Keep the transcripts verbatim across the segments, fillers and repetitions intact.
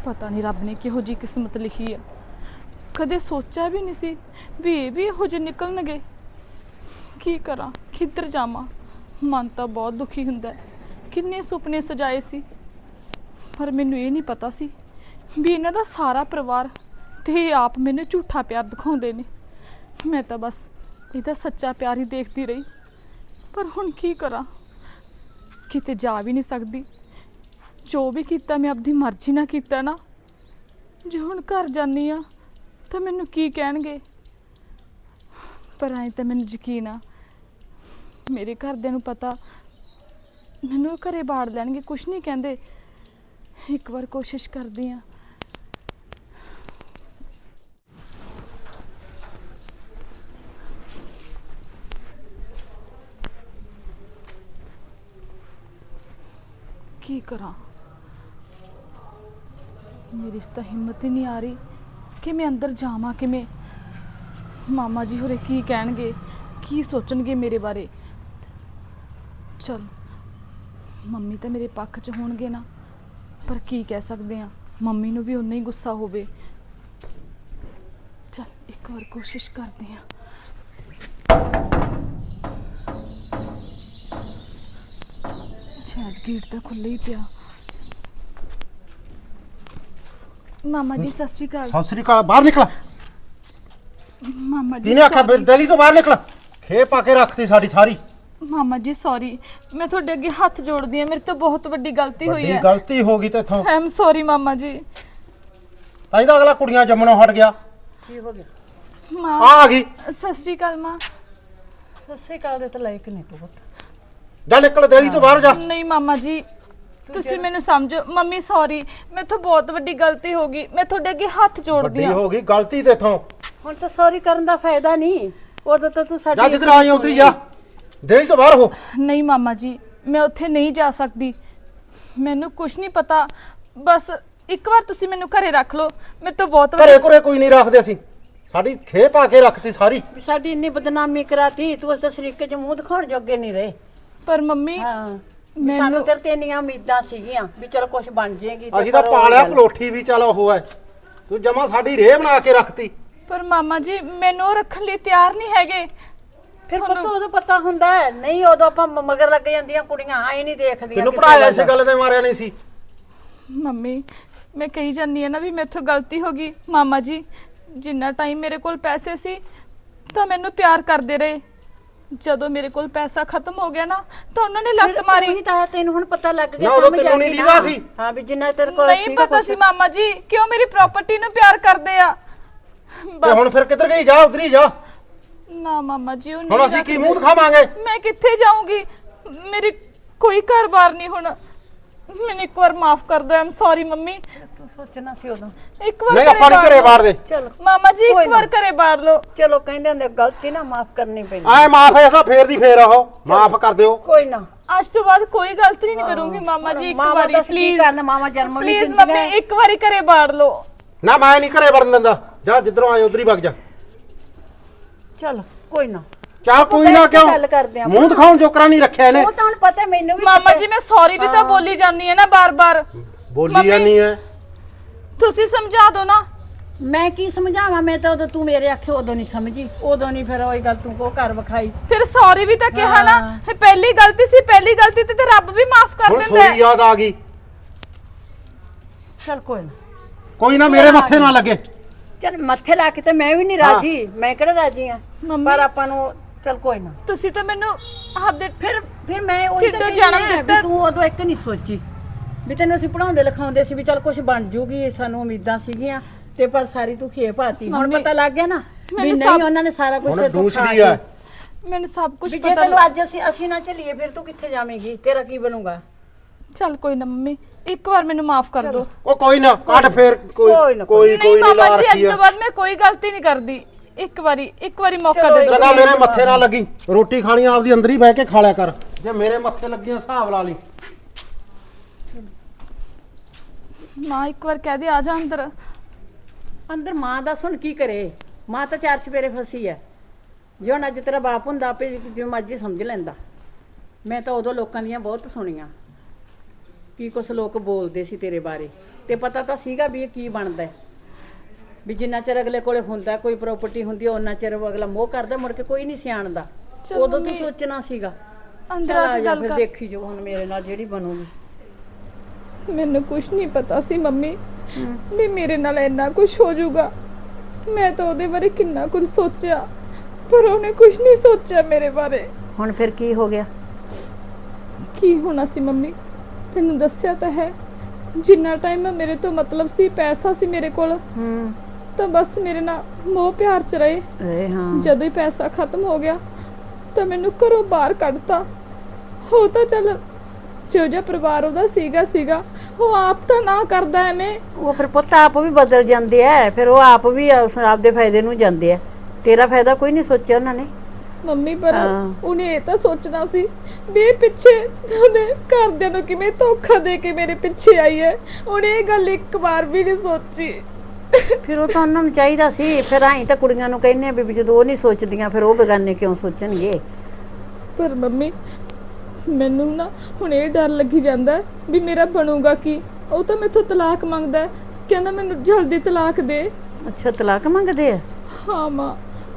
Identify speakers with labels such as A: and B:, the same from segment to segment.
A: पता नहीं रब ने किहो जी किस्मत लिखी है। कदे सोचा भी नहीं सी भी ये भी इहो जे निकलणगे। की करा किधर जावां, मन तो बहुत दुखी हुंदा है। किन्ने सुपने सजाए सी, पर मैनू ये नहीं पता सी भी इन्हां दा सारा परिवार ते आप मैनू झूठा प्यार दिखाउंदे ने। मैं तो बस इहदा सच्चा प्यार ही देखती रही, पर हुण की करा, किते जा भी नहीं सकदी। जो भी किया मैं अपनी मर्जी ना किया ना, जो हुण घर जानी आ तो मैनू की कहणगे। पर ऐ तो मैनू यकीन आ मेरे घरदियां नू पता मैनू घरे बाड़ लैणगे, कुछ नहीं कहंदे। एक बार कोशिश करदी आ। की करा, मेरी इस तो हिम्मत ही नहीं आ रही कि मैं अंदर जावां किवें। मामा जी होरे की कहणगे, की सोचणगे मेरे बारे। चल मम्मी तो मेरे पक्ष च होणगे ना, पर की कह सकते हैं, मम्मी नू भी उन्ना ही गुस्सा होवे। चल एक बार कोशिश करते हैं। शायद गेट तो खुला ही पिया। मामा जी सत श्री अकाल।
B: सत श्री अकाल। बाहर निकला।
A: मामा जी
B: किने आखा दिल्ली तो बाहर निकला। खे पाके रखती साडी सारी।
A: मामा जी सॉरी, मैं थोड़े अगे हाथ जोड़दी हां, मेरे तो बहुत बड़ी गलती हुई है।
B: गलती हो गई तेथों।
A: आई एम सॉरी मामा जी।
B: ताई दा अगला कुड़ियां जम्मनों हट गया।
C: की हो गया?
A: मां
B: आ गई।
A: सत श्री अकाल मां।
C: सत श्री अकाल दे तो लायक नहीं तू पुੱਤ।
B: जा निकल दिल्ली तो बाहर जा।
A: नहीं मामा जी ਤੁਸੀਂ ਮੈਨੂੰ ਸਮਝੋ। ਮੰਮੀ ਸੌਰੀ, ਮੈਥੋਂ ਬਹੁਤ ਵੱਡੀ ਗਲਤੀ ਹੋ ਗਈ। ਮੈਂ ਤੁਹਾਡੇ ਅੱਗੇ ਹੱਥ ਜੋੜਦੀ
B: ਵੱਡੀ
A: ਹਾਂ।
B: ਹੋ ਗਈ ਗਲਤੀ ਤੇਥੋਂ।
C: ਹੁਣ ਤਾਂ ਸੌਰੀ ਕਰਨ ਦਾ ਫਾਇਦਾ ਨਹੀਂ। ਉਦੋਂ ਤਾਂ ਤੂੰ ਸਾਡੀ
B: ਜਾ ਜਿੱਧਰ ਆਈ ਉਧਰ ਜਾ। ਦਿल्ली ਤੋਂ ਬਾਹਰ ਹੋ।
A: ਨਹੀਂ ਮਾਮਾ ਜੀ ਮੈਂ ਉੱਥੇ ਨਹੀਂ ਜਾ ਸਕਦੀ। ਮੈਨੂੰ ਕੁਝ ਨਹੀਂ ਪਤਾ। ਬਸ ਇੱਕ ਵਾਰ ਤੁਸੀਂ ਮੈਨੂੰ ਘਰੇ ਰੱਖ ਲਓ। ਮੇਰੇ ਤੋਂ ਬਹੁਤ
B: ਘਰੇ ਘਰੇ ਕੋਈ ਨਹੀਂ ਰੱਖਦੇ ਅਸੀਂ। ਸਾਡੀ ਖੇ ਪਾ ਕੇ ਰੱਖਤੀ ਸਾਰੀ।
C: ਵੀ ਸਾਡੀ ਇੰਨੀ ਬਦਨਾਮੀ ਕਰਾਤੀ, ਤੂੰ ਉਸ ਦਾ ਸਰੀਕੇ ਚ ਮੂੰਹ ਦਿਖਾਉਣ ਜੋਗੇ ਨਹੀਂ ਰਹੇ।
A: ਪਰ ਮੰਮੀ
C: ਹਾਂ ਸਾਨੂੰ ਤੇਰੇ ਤੇ ਇੰਨੀਆਂ ਉਮੀਦਾਂ ਸੀਗੀਆਂ ਵੀ ਚਲ ਕੁਝ ਬਣ ਜਾਏਗੀ।
B: ਅਸੀਂ ਤਾਂ ਪਾਲਿਆ ਪਲੋਠੀ ਵੀ ਚਲ ਉਹ ਹੈ, ਤੂੰ ਜਮਾ ਸਾਡੀ ਰੇਹ ਬਣਾ ਕੇ ਰੱਖਤੀ।
A: ਪਰ ਮਾਮਾ ਜੀ ਮੈਨੂੰ ਉਹ ਰੱਖਣ ਲਈ ਤਿਆਰ ਨਹੀਂ ਹੈਗੇ।
C: ਫਿਰ ਪੁੱਤ ਉਦੋਂ ਪਤਾ ਹੁੰਦਾ ਹੈ ਨਹੀਂ, ਉਦੋਂ ਆਪਾਂ ਮਗਰ ਲੱਗ ਜਾਂਦੀਆਂ ਕੁੜੀਆਂ ਆਏ ਨਹੀਂ ਦੇਖਦੀਆਂ।
B: ਤੈਨੂੰ ਪੜਾਇਆ ਇਸ ਗੱਲ ਤੇ ਮਾਰਿਆ ਨਹੀਂ ਸੀ।
A: ਮੰਮੀ ਮੈਂ ਕਹੀ ਜਾਂਦੀ ਆ ਨਾ ਵੀ ਮੇਥੋਂ ਗਲਤੀ ਹੋ ਗਈ। ਮਾਮਾ ਜੀ ਜਿੰਨਾ ਟਾਈਮ ਮੇਰੇ ਕੋਲ ਪੈਸੇ ਸੀ ਤਾਂ ਮੈਨੂੰ ਪਿਆਰ ਕਰਦੇ ਰਹੇ। ਜਦੋਂ ਮੇਰੇ ਕੋਲ ਪੈਸਾ ਖਤਮ ਹੋ ਗਿਆ ਨਾ ਤਾਂ ਉਹਨਾਂ ਨੇ ਲੱਤ ਮਾਰੀ।
C: ਨਹੀਂ ਤਾਂ ਤੈਨੂੰ ਹੁਣ ਪਤਾ ਲੱਗ ਗਿਆ।
B: ਨਾ ਉਦੋਂ ਤੈਨੂੰ ਨਹੀਂ ਦੀਦਾ ਸੀ।
C: ਹਾਂ ਵੀ ਜਿੰਨਾ ਤੇਰੇ ਕੋਲ
A: ਨਹੀਂ ਪਤਾ ਸੀ ਮਾਮਾ ਜੀ ਕਿਉਂ ਮੇਰੀ ਪ੍ਰਾਪਰਟੀ ਨੂੰ ਪਿਆਰ ਕਰਦੇ ਆ।
B: ਤੇ ਹੁਣ ਫਿਰ ਕਿੱਧਰ ਗਈ? ਜਾ ਉਧਰ ਹੀ ਜਾ।
A: ਨਾ ਮਾਮਾ ਜੀ ਉਹ
B: ਹੁਣ ਅਸੀਂ ਕੀ ਮੂੰਹ ਦਿਖਾਵਾਂਗੇ?
A: ਮੈਂ ਕਿੱਥੇ ਜਾਊਂਗੀ? ਮੇਰੀ ਕੋਈ ਘਰ-ਬਾਰ ਨਹੀਂ। ਹੁਣ ਮੈਨੂੰ ਇੱਕ ਵਾਰ ਮਾਫ ਕਰ ਦਿਓ। I'm sorry mummy.
C: ਤੂੰ ਸੋਚਣਾ ਸੀ ਉਦੋਂ।
A: ਇੱਕ ਵਾਰ
B: ਨਹੀਂ ਆਪਾਂ ਨਹੀਂ ਘਰੇ ਬਾੜ ਦੇ।
C: ਚਲੋ
A: ਮਾਮਾ ਜੀ ਇੱਕ ਵਾਰ ਘਰੇ ਬਾੜ ਲਓ।
C: ਚਲੋ ਕਹਿੰਦੇ ਹੁੰਦੇ ਗਲਤੀ ਨਾ ਮਾਫ ਕਰਨੀ ਪੈਂਦੀ।
B: ਆਏ ਮਾਫ ਹੈ ਤਾਂ ਫੇਰ ਦੀ ਫੇਰ ਆਹੋ ਮਾਫ ਕਰ ਦਿਓ।
C: ਕੋਈ ਨਾ
A: ਅੱਜ ਤੋਂ ਬਾਅਦ ਕੋਈ ਗਲਤੀ ਨਹੀਂ ਕਰੂੰਗੀ ਮਾਮਾ ਜੀ। ਇੱਕ ਵਾਰੀ ਪਲੀਜ਼
C: ਕਰਨ ਮਾਮਾ ਜਨਮ ਵੀ
A: ਪਲੀਜ਼ ਮੰਮੀ ਇੱਕ ਵਾਰੀ ਘਰੇ ਬਾੜ ਲਓ।
B: ਨਾ ਮੈਂ ਨਹੀਂ ਘਰੇ ਵੜਨ ਦਿੰਦਾ। ਜਾ ਜਿੱਧਰੋਂ ਆਏ ਉਧਰ ਹੀ ਵਗ ਜਾ।
C: ਚਲ ਕੋਈ ਨਾ
B: ਚੱਲ ਕੋਈ ਨਾ ਕਿਉਂ
C: ਗੱਲ ਕਰਦੇ ਆ।
B: ਮੂੰਹ ਦਿਖਾਉਣ ਜੋਕਰਾ ਨਹੀਂ ਰੱਖਿਆ ਇਹਨੇ।
C: ਉਹ ਤਾਂ ਹੁਣ ਪਤਾ ਮੈਨੂੰ ਵੀ।
A: ਮਾਮਾ ਜੀ ਮੈਂ ਸੌਰੀ ਵੀ ਤਾਂ ਬੋਲੀ ਜਾਂਦੀ ਹੈ ਨਾ ਬਾਰ-ਬਾਰ।
B: ਬੋਲੀ ਜਾਨੀ ਹੈ।
A: ਤੁਸੀਂ ਸਮਝਾ ਦਿਓ ਨਾ।
C: ਮੈਂ ਕੀ ਸਮਝਾਵਾਂ? ਮੈਂ ਤਾਂ ਉਦੋਂ ਤੂੰ ਮੇਰੇ ਆਖੇ ਉਦੋਂ ਨਹੀਂ ਸਮਝੀ। ਉਦੋਂ ਨਹੀਂ ਫਿਰ ਉਹੀ ਗੱਲ ਤੂੰ ਕੋ ਘਰ ਵਿਖਾਈ।
A: ਫਿਰ ਸੌਰੀ ਵੀ ਤਾਂ ਕਿਹਾ ਨਾ। ਪਹਿਲੀ ਗਲਤੀ ਸੀ, ਪਹਿਲੀ ਗਲਤੀ ਤੇ ਰੱਬ ਵੀ ਮਾਫ ਕਰ
B: ਹੁਣ
A: ਦਿੰਦਾ
B: ਸੋਈ ਯਾਦ ਆ ਗਈ।
C: ਚਲ ਕੋਈ ਨਾ
B: ਕੋਈ ਨਾ ਮੇਰੇ ਮੱਥੇ ਨਾ ਲੱਗੇ।
C: ਚਲ ਮੱਥੇ ਲਾ ਕੇ ਤੇ ਮੈਂ ਵੀ ਨਹੀਂ ਰਾਜੀ। ਮੈਂ ਕਿਹੜਾ ਰਾਜੀ ਆ? ਪਰ ਆਪਾਂ ਨੂੰ ਚਲ ਕੋਈ ਨਾ।
A: ਤੁਸੀਂ ਤਾਂ ਮੈਨੂੰ ਆਪਦੇ
C: ਫਿਰ ਫਿਰ ਮੈਂ ਉਹੀ ਤਾਂ ਜਨਮ ਦਿੱਤਾ। ਤੂੰ ਉਦੋਂ ਇੱਕ ਨਹੀਂ ਸੋਚੀ ਵੀ ਤੈਨੂੰ ਅਸੀਂ ਪੜਾਉਂਦੇ ਲਿਖਾਉਂਦੇ ਸੀ ਵੀ ਚਲ ਕੁਝ ਬਣ ਜੂਗੀ, ਸਾਨੂੰ ਉਮੀਦਾਂ ਸੀਗੀਆਂ। ਤੇ ਪਰ ਸਾਰੀ ਤੂੰ ਖੇ ਪਾਤੀ। ਹੁਣ ਪਤਾ ਲੱਗ ਗਿਆ ਨਾ ਵੀ ਨਹੀਂ ਉਹਨਾਂ ਨੇ ਸਾਰਾ ਕੁਝ ਤੇ ਤੂੰ ਖਾ ਲਿਆ।
A: ਮੈਨੂੰ ਸਭ ਕੁਝ
C: ਪਤਾ। ਜੇ ਤੈਨੂੰ ਅੱਜ ਅਸੀਂ ਅਸੀਂ ਨਾ ਚੱਲੀਏ ਫਿਰ ਤੂੰ ਕਿੱਥੇ ਜਾਵੇਂਗੀ? ਤੇਰਾ ਕੀ ਬਣੂਗਾ?
A: ਚੱਲ ਕੋਈ ਨਾ ਮੰਮੀ ਇੱਕ ਵਾਰ ਮੈਨੂੰ ਮਾਫ ਕਰ ਦਿਓ।
B: ਉਹ ਕੋਈ ਨਾ ਕੱਢ ਫੇਰ ਕੋਈ ਕੋਈ ਕੋਈ
A: ਨਹੀਂ
B: ਨਹੀਂ ਲਾ
A: ਮਾਮਾ ਜੀ
B: ਰੱਖੀ
A: ਅੱਜ ਤੋਂ ਬਾਅਦ ਮੈਂ ਕੋਈ ਗਲਤੀ ਨਹੀਂ ਕਰਦੀ। ਇੱਕ ਵਾਰੀ ਇੱਕ ਵਾਰੀ ਮੌਕਾ ਦੇ ਦਿਓ।
B: ਜਗਾ ਮੇਰੇ ਮੱਥੇ ਨਾ ਲੱਗੀ। ਰੋਟੀ ਖਾਣੀ ਆਪਦੀ ਅੰਦਰ ਹੀ ਬਹਿ ਕੇ ਖਾ ਲਿਆ ਕਰ। ਜੇ ਮੇਰੇ ਮੱਥੇ ਲੱਗੀਆਂ ਹਿਸਾਬ ਲਾ ਲਈ।
C: ਮਾਂ ਇੱਕ ਵਾਰ ਕਹਿ ਦੇ ਆ ਜਾ ਅੰਦਰ। ਅੰਦਰ ਮਾਂ ਦਾ ਸੁਣ ਕੀ ਕਰੇ? ਮਾਂ ਤਾਂ ਚਾਰ ਚਪੇਰੇ ਫਸੀ ਐ। ਜੇ ਹੁਣ ਅੱਜ ਤੇਰਾ ਬਾਪ ਹੁੰਦਾ ਆਪੇ ਜਿਵੇਂ ਮਰਜ਼ੀ ਸਮਝ ਲੈਂਦਾ। ਮੈਂ ਤਾਂ ਉਦੋਂ ਲੋਕਾਂ ਦੀਆਂ ਬਹੁਤ ਸੁਣੀਆਂ ਕੀ ਕੁਛ ਲੋਕ ਬੋਲਦੇ ਸੀ ਤੇਰੇ ਬਾਰੇ, ਤੇ ਪਤਾ ਤਾਂ ਸੀਗਾ ਵੀ ਇਹ ਕੀ ਬਣਦਾ ਹੈ। ਵੀ ਜਿੰਨਾ ਚਿਰ ਅਗਲੇ ਕੋਲੇ ਹੁੰਦਾ ਕੋਈ ਪ੍ਰਾਪਰਟੀ ਹੁੰਦੀ ਉਹਨਾਂ ਚਿਰ ਉਹ ਅਗਲਾ ਮੋਹ ਕਰਦਾ, ਮੁੜ ਕੇ ਕੋਈ ਨਹੀਂ ਸਿਆਣਦਾ।
A: ਚਲੋ
C: ਉਦੋਂ ਤੂੰ
A: ਮੰਮੀ,
C: ਸੋਚਣਾ ਸੀਗਾ।
A: ਅੰਦਰ
C: ਚੱਲ
A: ਆ
C: ਆ
A: ਕੇ
C: ਜਾ
A: ਗੱਲ
C: ਫਿਰ
A: ਕਰ।
C: ਦੇਖੀ ਜੋ ਹੁਣ ਮੇਰੇ ਨਾਲ ਜਿਹੜੀ ਬਣੂਗੀ।
A: ਮੈਨੂੰ ਕੁਝ ਨਹੀਂ ਪਤਾ ਸੀ ਮੰਮੀ ਵੀ ਮੇਰੇ ਨਾਲ ਇੰਨਾ ਕੁਝ ਹੋ ਜਾਊਗਾ। ਮੈਂ ਤਾਂ ਉਹਦੇ ਬਾਰੇ ਕਿੰਨਾ ਕੁਝ ਸੋਚਿਆ, ਪਰ ਉਹਨੇ ਕੁਝ ਨਹੀਂ ਸੋਚਿਆ ਮੇਰੇ ਬਾਰੇ।
C: ਹੁਣ ਫਿਰ ਕੀ ਹੋ ਗਿਆ?
A: ਕੀ ਹੋਣਾ ਸੀ ਮੰਮੀ, ਤੈਨੂੰ ਦੱਸਿਆ ਤਾਂ ਹੈ। ਜਿੰਨਾ ਟਾਈਮ ਮੇਰੇ ਤੋਂ ਮਤਲਬ ਸੀ, ਪੈਸਾ ਸੀ ਮੇਰੇ ਕੋਲ,
C: ਹੂੰ
A: ਤਾਂ ਬਸ ਮੇਰੇ ਨਾਲ ਮੋਹ ਪਿਆਰ ਚ ਰਹੇ।
C: ਏ ਹਾਂ
A: ਜਦੋਂ ਹੀ ਪੈਸਾ ਖਤਮ ਹੋ ਗਿਆ ਤਾਂ ਮੈਨੂੰ ਘਰੋਂ ਬਾਹਰ ਕੱਢਤਾ। ਉਹ ਤਾਂ ਚੱਲ ਜੋ ਜਿਹਾ ਪਰਿਵਾਰ ਉਹਦਾ ਸੀਗਾ ਸੀਗਾ ਉਹ ਆਪ ਤਾਂ ਨਾ ਕਰਦਾ ਐਵੇਂ।
C: ਉਹ ਫਿਰ ਪੁੱਤ ਆਪ ਵੀ ਬਦਲ ਜਾਂਦੇ ਆ, ਫਿਰ ਉਹ ਆਪ ਵੀ ਉਸ ਆਪਦੇ ਫਾਇਦੇ ਨੂੰ ਜਾਂਦੇ ਆ। ਤੇਰਾ ਫਾਇਦਾ ਕੋਈ ਨਹੀਂ ਸੋਚਿਆ ਉਹਨਾਂ ਨੇ।
A: ਮੰਮੀ ਪਰ
C: ਹਾਂ।
A: ਉਹਨੇ ਇਹ ਤਾਂ ਸੋਚਣਾ ਸੀ ਵੀ ਇਹ ਪਿੱਛੇ ਉਹਨੇ ਘਰਦਿਆਂ ਨੂੰ ਕਿਵੇਂ ਧੋਖਾ ਦੇ ਕੇ ਮੇਰੇ ਪਿੱਛੇ ਆਈ ਹੈ। ਉਹਨੇ ਇਹ ਗੱਲ ਇੱਕ ਵਾਰ ਵੀ ਨਹੀਂ ਸੋਚੀ।
C: ਫਿਰ ਉਹ ਤਾਂ ਉਹਨਾਂ ਨੂੰ ਚਾਹੀਦਾ ਸੀ। ਫਿਰ ਆਈ ਤਾਂ ਕੁੜੀਆਂ ਨੂੰ ਕਹਿੰਦੇ ਆ ਵੀ ਜਦੋਂ ਉਹ ਨਹੀਂ ਸੋਚਦੀਆਂ ਫਿਰ ਉਹ ਬੇਗਾਨੇ ਕਿਉਂ ਸੋਚਣਗੇ।
A: ਪਰ ਮੰਮੀ ਮੈਨੂੰ ਨਾ ਹੁਣ ਇਹ ਡਰ ਲੱਗੀ ਜਾਂਦਾ ਹੈ ਵੀ ਮੇਰਾ ਬਣੂਗਾ ਕੀ। ਉਹ ਤਾਂ ਮੈਥੋਂ ਤਲਾਕ ਮੰਗਦਾ ਹੈ, ਕਹਿੰਦਾ ਮੈਨੂੰ ਜਲਦੀ ਤਲਾਕ ਦੇ।
C: ਅੱਛਾ ਤਲਾਕ ਮੰਗਦੇ ਆ?
A: ਹਾਂ ਮਾਂ।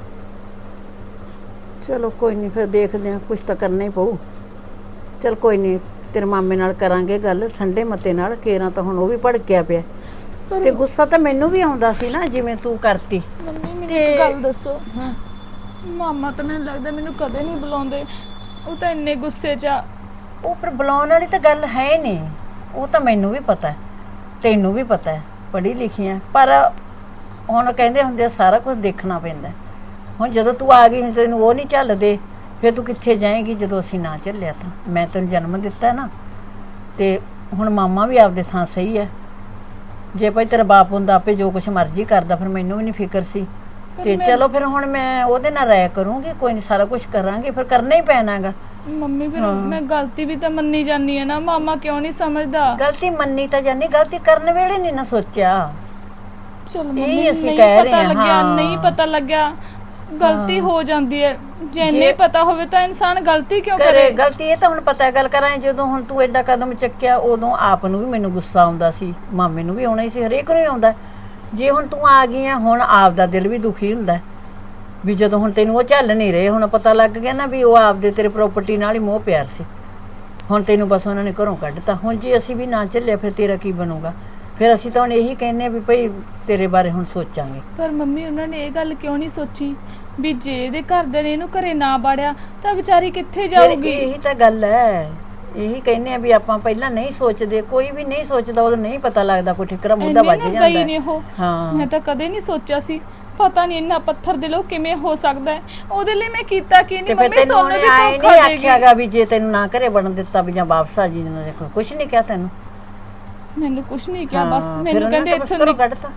C: ਚਲੋ ਕੋਈ ਨਹੀਂ, ਫਿਰ ਦੇਖਦੇ ਆ, ਕੁਛ ਤਾਂ ਕਰਨਾ ਹੀ ਪਊ। ਚਲ ਕੋਈ ਨਹੀਂ, ਤੇਰੇ ਮਾਮੇ ਨਾਲ ਕਰਾਂਗੇ ਗੱਲ ਠੰਡੇ ਮੱਤੇ ਨਾਲ। ਕੇਰਾਂ ਤਾਂ ਹੁਣ ਉਹ ਵੀ ਭੜਕਿਆ ਪਿਆ,
A: ਪਰ
C: ਤੇ ਗੁੱਸਾ ਤਾਂ ਮੈਨੂੰ ਵੀ ਆਉਂਦਾ ਸੀ ਨਾ ਜਿਵੇਂ ਤੂੰ ਕਰਤੀ।
A: ਮੰਮੀ ਮੈਨੂੰ
C: ਤੇ-
A: ਇੱਕ ਗੱਲ ਦੱਸੋ, ਮਾਮਾ ਤਾਂ ਮੈਨੂੰ ਲੱਗਦਾ ਮੈਨੂੰ ਕਦੇ ਨਹੀਂ ਬੁਲਾਉਂਦੇ। ਉਹ ਤਾਂ ਇੰਨੇ ਗੁੱਸੇ 'ਚ ਆ।
C: ਉਹ ਪਰ ਬੁਲਾਉਣ ਵਾਲੀ ਤਾਂ ਗੱਲ ਹੈ ਨਹੀਂ। ਉਹ ਤਾਂ ਮੈਨੂੰ ਵੀ ਪਤਾ ਹੈ, ਤੈਨੂੰ ਵੀ ਪਤਾ ਹੈ, ਪੜ੍ਹੀ ਲਿਖੀ ਹੈ। ਪਰ ਹੁਣ ਕਹਿੰਦੇ ਹੁੰਦੇ ਆ ਸਾਰਾ ਕੁਝ ਦੇਖਣਾ ਪੈਂਦਾ। ਹੁਣ ਜਦੋਂ ਤੂੰ ਆ ਗਈ ਤੈਨੂੰ ਉਹ ਨਹੀਂ ਝੱਲਦੇ, ਫਿਰ ਤੂੰ ਕਿੱਥੇ ਜਾਏਂਗੀ ਜਦੋਂ ਅਸੀਂ ਨਾ ਝੱਲਿਆ ਤਾਂ। ਮੈਂ ਤੈਨੂੰ ਜਨਮ ਦਿੱਤਾ ਨਾ, ਤੇ ਹੁਣ ਮਾਮਾ ਵੀ ਆਪਦੇ ਥਾਂ ਸਹੀ ਹੈ। ਜੇ ਭਾਈ ਤੇਰਾ ਬਾਪ ਹੁੰਦਾ ਆਪੇ ਜੋ ਕੁਛ ਮਰਜ਼ੀ ਕਰਦਾ, ਫਿਰ ਮੈਨੂੰ ਵੀ ਨਹੀਂ ਫਿਕਰ ਸੀ। ਤੇ ਚਲੋ ਫਿਰ ਹੁਣ ਮੈਂ ਉਹਦੇ ਨਾਲ ਰਾਇ ਕਰੂੰਗੀ, ਕੋਈ ਨਹੀਂ ਸਾਰਾ ਕੁਝ ਕਰਾਂਗੇ, ਫਿਰ ਕਰਨਾ ਹੀ ਪੈਣਾਗਾ।
A: ਮੰਮੀ ਫਿਰ ਮੈਂ ਗਲਤੀ ਵੀ ਤਾਂ ਮੰਨੀ ਜਾਂਦੀ ਹੈ ਨਾ, ਮਾਮਾ ਕਿਉਂ ਨਹੀਂ ਸਮਝਦਾ।
C: ਗਲਤੀ ਮੰਨੀ ਤਾਂ ਜਾਨੀ, ਗਲਤੀ ਕਰਨ ਵੇਲੇ ਨਹੀਂ ਨਾ ਸੋਚਿਆ।
A: ਚਲ
C: ਇਹ
A: ਮੰਮੀ
C: ਅਸੀਂ
A: ਨਹੀਂ
C: ਕਹਿ ਰਹੇ
A: ਪਤਾ
C: ਹਾਂ।
A: ਲੱਗਿਆ, ਨਹੀਂ ਪਤਾ ਲੱਗਿਆ, ਗਲਤੀ ਹੋ ਜਾਂਦੀ ਹੈ। ਜੇ ਨਹੀਂ ਪਤਾ ਹੋਵੇ ਤਾਂ ਇਨਸਾਨ ਗਲਤੀ ਕਿਉਂ
C: ਕਰੇ
A: ਕਰੇ।
C: ਗਲਤੀ ਇਹ ਤਾਂ ਹੁਣ ਪਤਾ ਗੱਲ ਕਰਾਂ। ਜਦੋਂ ਹੁਣ ਤੂੰ ਐਡਾ ਕਦਮ ਚੱਕਿਆ, ਉਦੋਂ ਆਪ ਨੂੰ ਵੀ ਮੈਨੂੰ ਗੁੱਸਾ ਆਉਂਦਾ ਸੀ, ਮਾਮੇ ਨੂੰ ਵੀ ਆਉਣਾ ਹੀ ਸੀ, ਹਰੇਕ ਨੂੰ ਹੀ ਆਉਂਦਾ। ਜੇ ਹੁਣ ਤੂੰ ਆ ਗਈ ਆ, ਹੁਣ ਆਪ ਦਾ ਦਿਲ ਵੀ ਦੁਖੀ ਹੁੰਦਾ ਵੀ ਜਦੋਂ ਹੁਣ ਤੈਨੂੰ ਉਹ ਝੱਲ ਨਹੀਂ ਰਹੇ। ਹੁਣ ਪਤਾ ਲੱਗ ਗਿਆ ਨਾ ਵੀ ਉਹ ਆਪਦੇ ਤੇਰੇ ਪ੍ਰਾਪਰਟੀ ਨਾਲ ਹੀ ਮੋਹ ਪਿਆਰ ਸੀ। ਹੁਣ ਤੈਨੂੰ ਬਸ ਉਹਨਾਂ ਨੇ ਘਰੋਂ ਕੱਢਤਾ। ਹੁਣ ਜੇ ਅਸੀਂ ਵੀ ਨਾ ਚੱਲਿਆ ਫਿਰ ਤੇਰਾ ਕੀ ਬਣੂਗਾ। ਫਿਰ ਅਸੀਂ ਤਾਂ ਹੁਣ ਇਹੀ ਕਹਿੰਦੇ ਵੀ ਭਈ ਤੇਰੇ ਬਾਰੇ ਹੁਣ ਸੋਚਾਂਗੇ।
A: ਪਰ ਮੰਮੀ ਉਹਨਾਂ ਨੇ ਇਹ ਗੱਲ ਕਿਉਂ ਨਹੀਂ ਸੋਚੀ ਵੀ ਜੇ ਇਹਦੇ ਘਰਦਿਆਂ ਨੇ ਇਹਨੂੰ ਘਰੇ ਨਾ ਬਾੜਿਆ ਤਾਂ ਵਿਚਾਰੀ ਕਿੱਥੇ
C: ਫਿਰ
A: ਜਾਊਗੀ।
C: ਇਹੀ ਤਾਂ ਗੱਲ ਹੈ, ਇਹੀ ਕਹਿੰਦੇ ਆ ਵੀ ਆਪਾਂ ਪਹਿਲਾਂ ਨਹੀਂ ਸੋਚਦੇ। ਕੋਈ ਵੀ ਨਹੀਂ ਸੋਚਦਾ, ਉਦੋਂ ਨਹੀਂ ਪਤਾ ਲੱਗਦਾ, ਕੋਈ ਠਿਕਰਾ ਮੁੱਦਾ
A: ਇੰਨੇ
C: ਵੱਜ
A: ਨਾ
C: ਜਾਂਦਾ
A: ਗਈ ਨੇ ਉਹ।
C: ਹਾਂ
A: ਮੈਂ ਤਾਂ ਕਦੇ ਨਹੀਂ ਸੋਚਿਆ ਸੀ। ਪਤਾ ਨਹੀਂ ਇੰਨਾ ਪੱਥਰ ਦਿਲੋਂ ਕਿਵੇਂ ਹੋ ਸਕਦਾ ਹੈ। ਉਹਦੇ ਲਈ ਮੈਂ ਕੀਤਾ ਕੀ
C: ਤੇ
A: ਨਹੀਂ।
C: ਫਿਰ
A: ਮੰਮੀ
C: ਤੈਨੂੰ
A: ਸੋਨੇ ਵੀ
C: ਆਏ
A: ਧੋਖਾ
C: ਨਹੀਂ
A: ਦੇਗੀ।
C: ਆਖਿਆਗਾ ਵੀ ਜੇ ਤੈਨੂੰ ਨਾ ਘਰੇ ਬਣਨ ਦਿੱਤਾ ਵੀ ਜਾਂ ਵਾਪਸ ਆ ਜੀ ਨਾ ਦੇਖੋ, ਕੁਛ ਨਹੀਂ ਕਿਹਾ ਤੈਨੂੰ।
A: ਮੈਨੂੰ ਕੁਝ ਨਹੀਂ ਕਿਹਾ, ਬਸ
C: ਹਾਂ, ਫਿਰ
A: ਮੈਨੂੰ
C: ਉਹਨਾਂ
A: ਕਹਿੰਦੇ
C: ਨੇ ਤਾਂ ਬਸ
A: ਇੱਥੋਂ
C: ਘਰੋਂ
A: ਨਿਕ-
C: ਕੱਢਤਾ।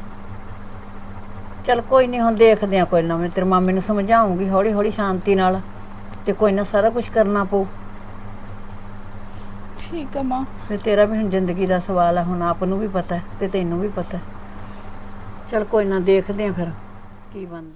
C: ਚਲ ਕੋਈ ਨਹੀਂ, ਹੁਣ ਦੇਖਦੇ ਆ, ਕੋਈ ਨਾ ਮੈਂ ਤੇਰੇ ਮਾਮੇ ਨੂੰ ਸਮਝਾਉਂਗੀ ਹੌਲੀ ਹੌਲੀ ਸ਼ਾਂਤੀ ਨਾਲ, ਤੇ ਕੋਈ ਨਾ ਸਾਰਾ ਕੁਝ ਕਰਨਾ ਪਊ।
A: ਠੀਕ ਹੈ ਮਾਂ।
C: ਫਿਰ ਤੇਰਾ ਵੀ ਹੁਣ ਜ਼ਿੰਦਗੀ ਦਾ ਸਵਾਲ ਹੈ, ਹੁਣ ਆਪ ਨੂੰ ਵੀ ਪਤਾ ਹੈ ਤੇ ਤੈਨੂੰ ਵੀ ਪਤਾ ਹੈ। ਚਲ ਕੋਈ ਨਾ ਦੇਖਦੇ ਆ ਫਿਰ ਕੀ ਬਣਦਾ।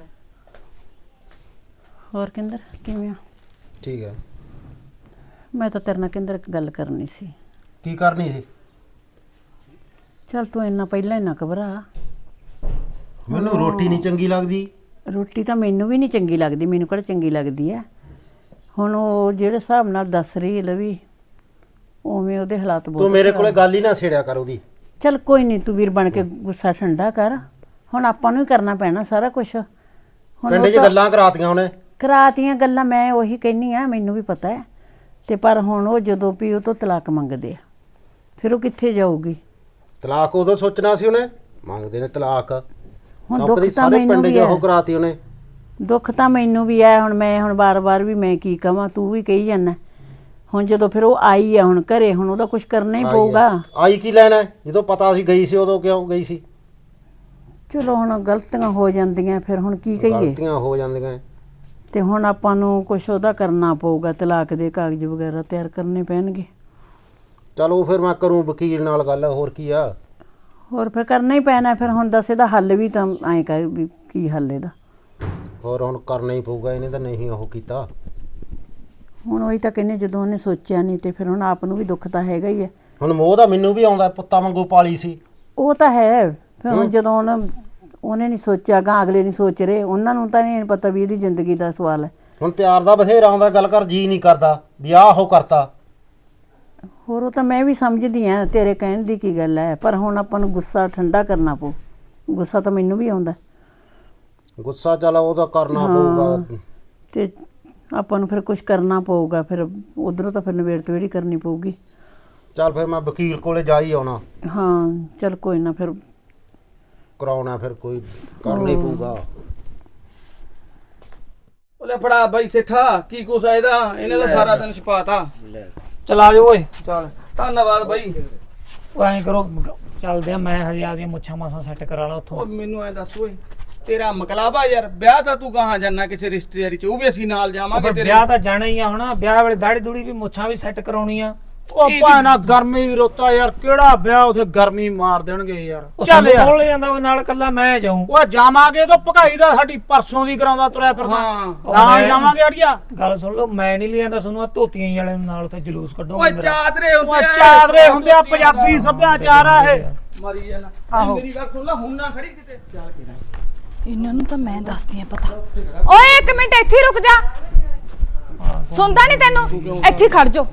C: ਹੋਰ ਕਿੰਦਰ ਕਿਵੇਂ ਆ?
B: ਠੀਕ ਹੈ।
C: ਮੈਂ ਤਾਂ ਤੇਰੇ ਨਾਲ ਕਿੰਦਰ ਇੱਕ ਗੱਲ ਕਰਨੀ ਸੀ।
B: ਕੀ ਕਰਨੀ ਸੀ?
C: ਚਲ ਤੂੰ ਇੰਨਾ ਪਹਿਲਾਂ ਹੀ ਨਾ ਘਬਰਾ।
B: ਮੈਨੂੰ ਰੋਟੀ ਨਹੀਂ ਚੰਗੀ ਲੱਗਦੀ।
C: ਰੋਟੀ ਤਾਂ ਮੈਨੂੰ ਵੀ ਨਹੀਂ ਚੰਗੀ ਲੱਗਦੀ, ਮੈਨੂੰ ਕਿਹੜਾ ਚੰਗੀ ਲੱਗਦੀ ਹੈ। ਹੁਣ ਉਹ ਜਿਹੜੇ ਹਿਸਾਬ ਨਾਲ ਦੱਸ ਰਹੀ ਹੈ ਲਵੀ, ਉਵੇਂ ਉਹਦੇ ਹਾਲਾਤ ਬਹੁਤ
B: ਤੂੰ ਮੇਰੇ ਕੋਲੇ ਗੱਲ ਹੀ ਨਾ ਛੇੜਿਆ ਕਰ ਉਹਦੀ।
C: ਚਲ ਕੋਈ ਨਹੀਂ, ਤੂੰ ਵੀਰ ਬਣ ਕੇ ਗੁੱਸਾ ਠੰਡਾ ਕਰ। ਹੁਣ ਆਪਾਂ ਨੂੰ ਹੀ ਕਰਨਾ ਪੈਣਾ ਸਾਰਾ ਕੁਝ। ਹੁਣ
B: ਪਿੰਡ 'ਚ ਗੱਲਾਂ ਕਰਾਤੀਆਂ ਉਹਨੇ।
C: ਕਰਾਤੀਆਂ ਗੱਲਾਂ, ਮੈਂ ਉਹੀ ਕਹਿੰਨੀ ਆ, ਮੈਨੂੰ ਵੀ ਪਤਾ ਹੈ। ਤੇ ਪਰ ਹੁਣ ਉਹ ਜਦੋਂ ਵੀ ਉਹ ਤੋਂ ਤਲਾਕ ਮੰਗਦੇ ਆ, ਫਿਰ ਉਹ ਕਿੱਥੇ ਜਾਊਗੀ?
B: ਤਲਾਕ ਉਦੋਂ ਸੋਚਣਾ ਸੀ ਉਹਨੇ, ਮੰਗਦੇ ਨੇ ਤਲਾਕ।
C: ਹੁਣ
B: ਦੁੱਖ
C: ਦੁੱਖ
B: ਦੀ
C: ਤਾਂ
B: ਸਾਰੇ
C: ਮੈਨੂੰ
B: ਪਿੰਡ
C: ਵੀ
B: 'ਚ ਉਹ
C: ਹੈ।
B: ਕਰਾਤੀ ਉਹਨੇ।
C: ਦੁੱਖ ਤਾਂ ਮੈਨੂੰ ਵੀ ਹੈ। ਹੁਣ ਮੈਂ ਹੁਣ ਬਾਰ-ਬਾਰ ਵੀ ਮੈਂ ਕੀ ਕਵਾਂ, ਤੂੰ ਵੀ ਕਹੀ ਜਾਂਦਾ। ਹੁਣ ਜਦੋਂ ਫਿਰ ਉਹ ਆਈ ਆ ਹੁਣ ਘਰੇ, ਹੁਣ ਉਹਦਾ ਕੁਝ ਕਰਨਾ ਹੀ
B: ਆਈ
C: ਪਊਗਾ।
B: ਹੈ। ਆਈ ਕੀ ਲੈਣਾ ਹੈ? ਜਦੋਂ ਪਤਾ ਸੀ ਗਈ ਸੀ, ਉਦੋਂ ਕਿਉਂ ਗਈ ਸੀ?
C: ਚਲੋ ਹੁਣ ਗਲਤੀਆਂ ਹੋ ਜਾਂਦੀਆਂ, ਫਿਰ ਹੁਣ ਕੀ ਕਹੀਏ।
B: ਗਲਤੀਆਂ ਹੋ ਜਾਂਦੀਆਂ।
C: ਤੇ ਹੁਣ ਆਪਾਂ ਨੂੰ ਕੁਝ ਉਹਦਾ ਕਰਨਾ ਪਊਗਾ, ਤਲਾਕ ਦੇ ਕਾਗਜ਼ ਵਗੈਰਾ ਤਿਆਰ ਕਰਨੇ ਪੈਣਗੇ।
B: ਚਲੋ ਫਿਰ ਮੈਂ ਕਰੂੰ ਵਕੀਲ ਨਾਲ ਗੱਲ, ਹੋਰ ਕੀ ਆ।
C: ਹੋਰ ਫਿਰ ਕਰਨਾ ਹੀ ਪੈਣਾ। ਫਿਰ ਹੁਣ ਦੱਸ ਇਹਦਾ ਹੱਲ ਵੀ ਤਾਂ ਐਂ ਕਰ ਵੀ ਕੀ ਹੱਲ ਇਹਦਾ।
B: ਹੋਰ ਹੁਣ ਕਰਨਾ ਹੀ ਪਊਗਾ, ਇਹਨੇ ਤਾਂ ਨਹੀਂ ਉਹ ਕੀਤਾ।
C: ਹੁਣ ਉਹੀ ਤਾਂ ਕਹਿੰਦੇ, ਜਦੋਂ ਉਹਨੇ ਸੋਚਿਆ ਨਹੀਂ ਤੇ ਫਿਰ ਹੁਣ ਆਪ ਨੂੰ ਵੀ ਦੁੱਖ ਤਾਂ ਹੈਗਾ ਹੀ ਹੈ
B: ਹੁਣ ਮੋਹ ਦਾ ਮੈਨੂੰ ਵੀ ਆਉਂਦਾ, ਪੁੱਤਾਂ ਵਾਂਗੂ ਪਾਲੀ ਸੀ।
C: ਉਹ ਤਾਂ ਹੈ, ਫਿਰ ਹੁਣ ਜਦੋਂ ਉਹਨ ਉਹਨੇ ਨਹੀਂ ਸੋਚਿਆ ਗਾ, ਅਗਲੇ ਨਹੀਂ ਸੋਚ ਰਹੇ, ਉਹਨਾਂ ਨੂੰ ਤਾਂ ਨਹੀਂ ਪਤਾ ਵੀ ਇਹਦੀ ਜ਼ਿੰਦਗੀ ਦਾ ਸਵਾਲ ਹੈ।
B: ਹੁਣ ਪਿਆਰ ਦਾ ਬਥੇਰਾ ਆਉਂਦਾ, ਗੱਲ ਕਰ ਜੀ ਨਹੀਂ ਕਰਦਾ ਵੀ ਆਹ ਉਹ ਕਰਤਾ।
C: ਹੋਰ ਉਹ ਤਾਂ ਮੈਂ ਵੀ ਸਮਝਦੀ ਆ, ਤੇਰੇ ਕਹਿਣ ਦੀ ਕੀ ਗੱਲ ਹੈ, ਪਰ ਹੁਣ ਆਪਾਂ ਨੂੰ ਗੁੱਸਾ ਠੰਡਾ ਕਰਨਾ ਪਊ। ਗੁੱਸਾ ਤਾਂ ਮੈਨੂੰ ਵੀ ਆਉਂਦਾ।
B: ਗੁੱਸਾ ਚੱਲ ਉਹਦਾ ਕਰਨਾ ਪਊਗਾ,
C: ਤੇ ਆਪਾਂ ਨੂੰ ਫਿਰ ਕੁਝ ਕਰਨਾ ਪਊਗਾ, ਫਿਰ ਉਧਰੋਂ ਤਾਂ ਫਿਰ ਨਵੇੜ ਤਵੇੜੀ ਕਰਨੀ ਪਊਗੀ।
B: ਚੱਲ ਫਿਰ ਮੈਂ ਵਕੀਲ ਕੋਲੇ ਜਾ ਹੀ ਆਉਣਾ।
C: ਹਾਂ ਚੱਲ ਕੋਈ ਨਾ, ਫਿਰ
B: ਕਰਾਉਣਾ ਫਿਰ ਕੋਈ ਕਰਨਾ ਹੀ ਪਊਗਾ।
D: ਲੈ ਫੜਾ ਬਾਈ ਸੇਠਾ, ਕੀ ਕੁਛ ਆ ਇਹਦਾ, ਇਹਨੇ ਤਾਂ ਸਾਰਾ ਦਿਨ ਛਪਾਤਾ।
E: ਚਲ ਆ ਜਾਓ ਓਏ।
D: ਚੱਲ ਧੰਨਵਾਦ ਬਾਈ।
E: ਉਹ ਐਂ ਕਰੋ, ਚੱਲਦੇ ਆ, ਮੈਂ ਹਜੇ ਆਦੀਆਂ ਮੁੱਛਾਂ ਮਾਸਾਂ ਸੈੱਟ ਕਰਾ ਲਾ ਉੱਥੋਂ।
D: ਉਹ ਮੈਨੂੰ ਐ ਦੱਸ ਓਏ, ਤੇਰਾ ਮਕਲਾਬਾ ਯਾਰ, ਵਿਆਹ ਤਾਂ ਤੂੰ ਕਹਾਂ ਜਾਣਾ ਕਿਸੇ ਰਿਸ਼ਤੇਦਾਰੀ ਚ, ਉਹ ਵੀ ਅਸੀਂ ਨਾਲ ਜਾਵਾਂਗੇ ਤੇਰੇ।
E: ਵਿਆਹ ਤਾਂ ਜਾਣਾ ਹੀ ਆ, ਹੁਣ ਵਿਆਹ ਵੇਲੇ ਦਾੜੀ ਦੂੜੀ ਵੀ ਮੁੱਛਾਂ ਵੀ ਸੈੱਟ ਕਰਾਉਣੀ ਆ।
D: ਉਹ ਭਾਣਾ ਗਰਮੀ ਰੋਤਾ ਯਾਰ, ਕਿਹੜਾ ਵਿਆਹ ਉਥੇ ਗਰਮੀ ਮਾਰ ਦੇਣਗੇ ਯਾਰ।
E: ਚੱਲ ਬੋਲ ਜਾਂਦਾ ਉਹ ਨਾਲ, ਕੱਲਾ ਮੈਂ ਜਾਊਂ।
D: ਉਹ ਜਾਵਾਂਗੇ ਤਾਂ ਭਗਾਈ ਦਾ ਸਾਡੀ ਪਰਸੋਂ ਦੀ ਕਰਾਉਂਦਾ ਤੁਰਿਆ ਫਿਰਦਾ। ਨਾਲ ਜਾਵਾਂਗੇ ਅੜੀਆ।
E: ਗੱਲ ਸੁਣ ਲਓ, ਮੈਂ ਨਹੀਂ ਲਿਆਂਦਾ ਤੁਹਾਨੂੰ ਆ ਧੋਤੀਆਂ ਹੀ ਵਾਲੇ ਨਾਲ ਤੇ ਜਲੂਸ ਕੱਢੋ।
D: ਓਏ ਚਾਦਰੇ ਹੁੰਦੇ
F: ਓਏ ਚਾਦਰੇ ਹੁੰਦੇ ਆ, ਪੰਜਾਬੀ ਸੱਭਿਆਚਾਰ ਆ ਇਹ।
D: ਮਰੀ ਜਾਣਾ। ਮੇਰੀ ਗੱਲ ਸੁਣ ਲੈ, ਹੁਣ ਨਾ ਖੜੀ ਕਿਤੇ। ਚੱਲ ਕੇ
A: ਇਹਨਾਂ ਨੂੰ ਤਾਂ ਮੈਂ ਦੱਸਦੀ ਆ ਪਤਾ। ਓਏ ਇੱਕ ਮਿੰਟ ਇੱਥੇ ਰੁਕ ਜਾ, ਸੁਣਦਾ ਨਹੀਂ ਤੈਨੂੰ? ਇੱਥੇ ਖੜ ਜਾ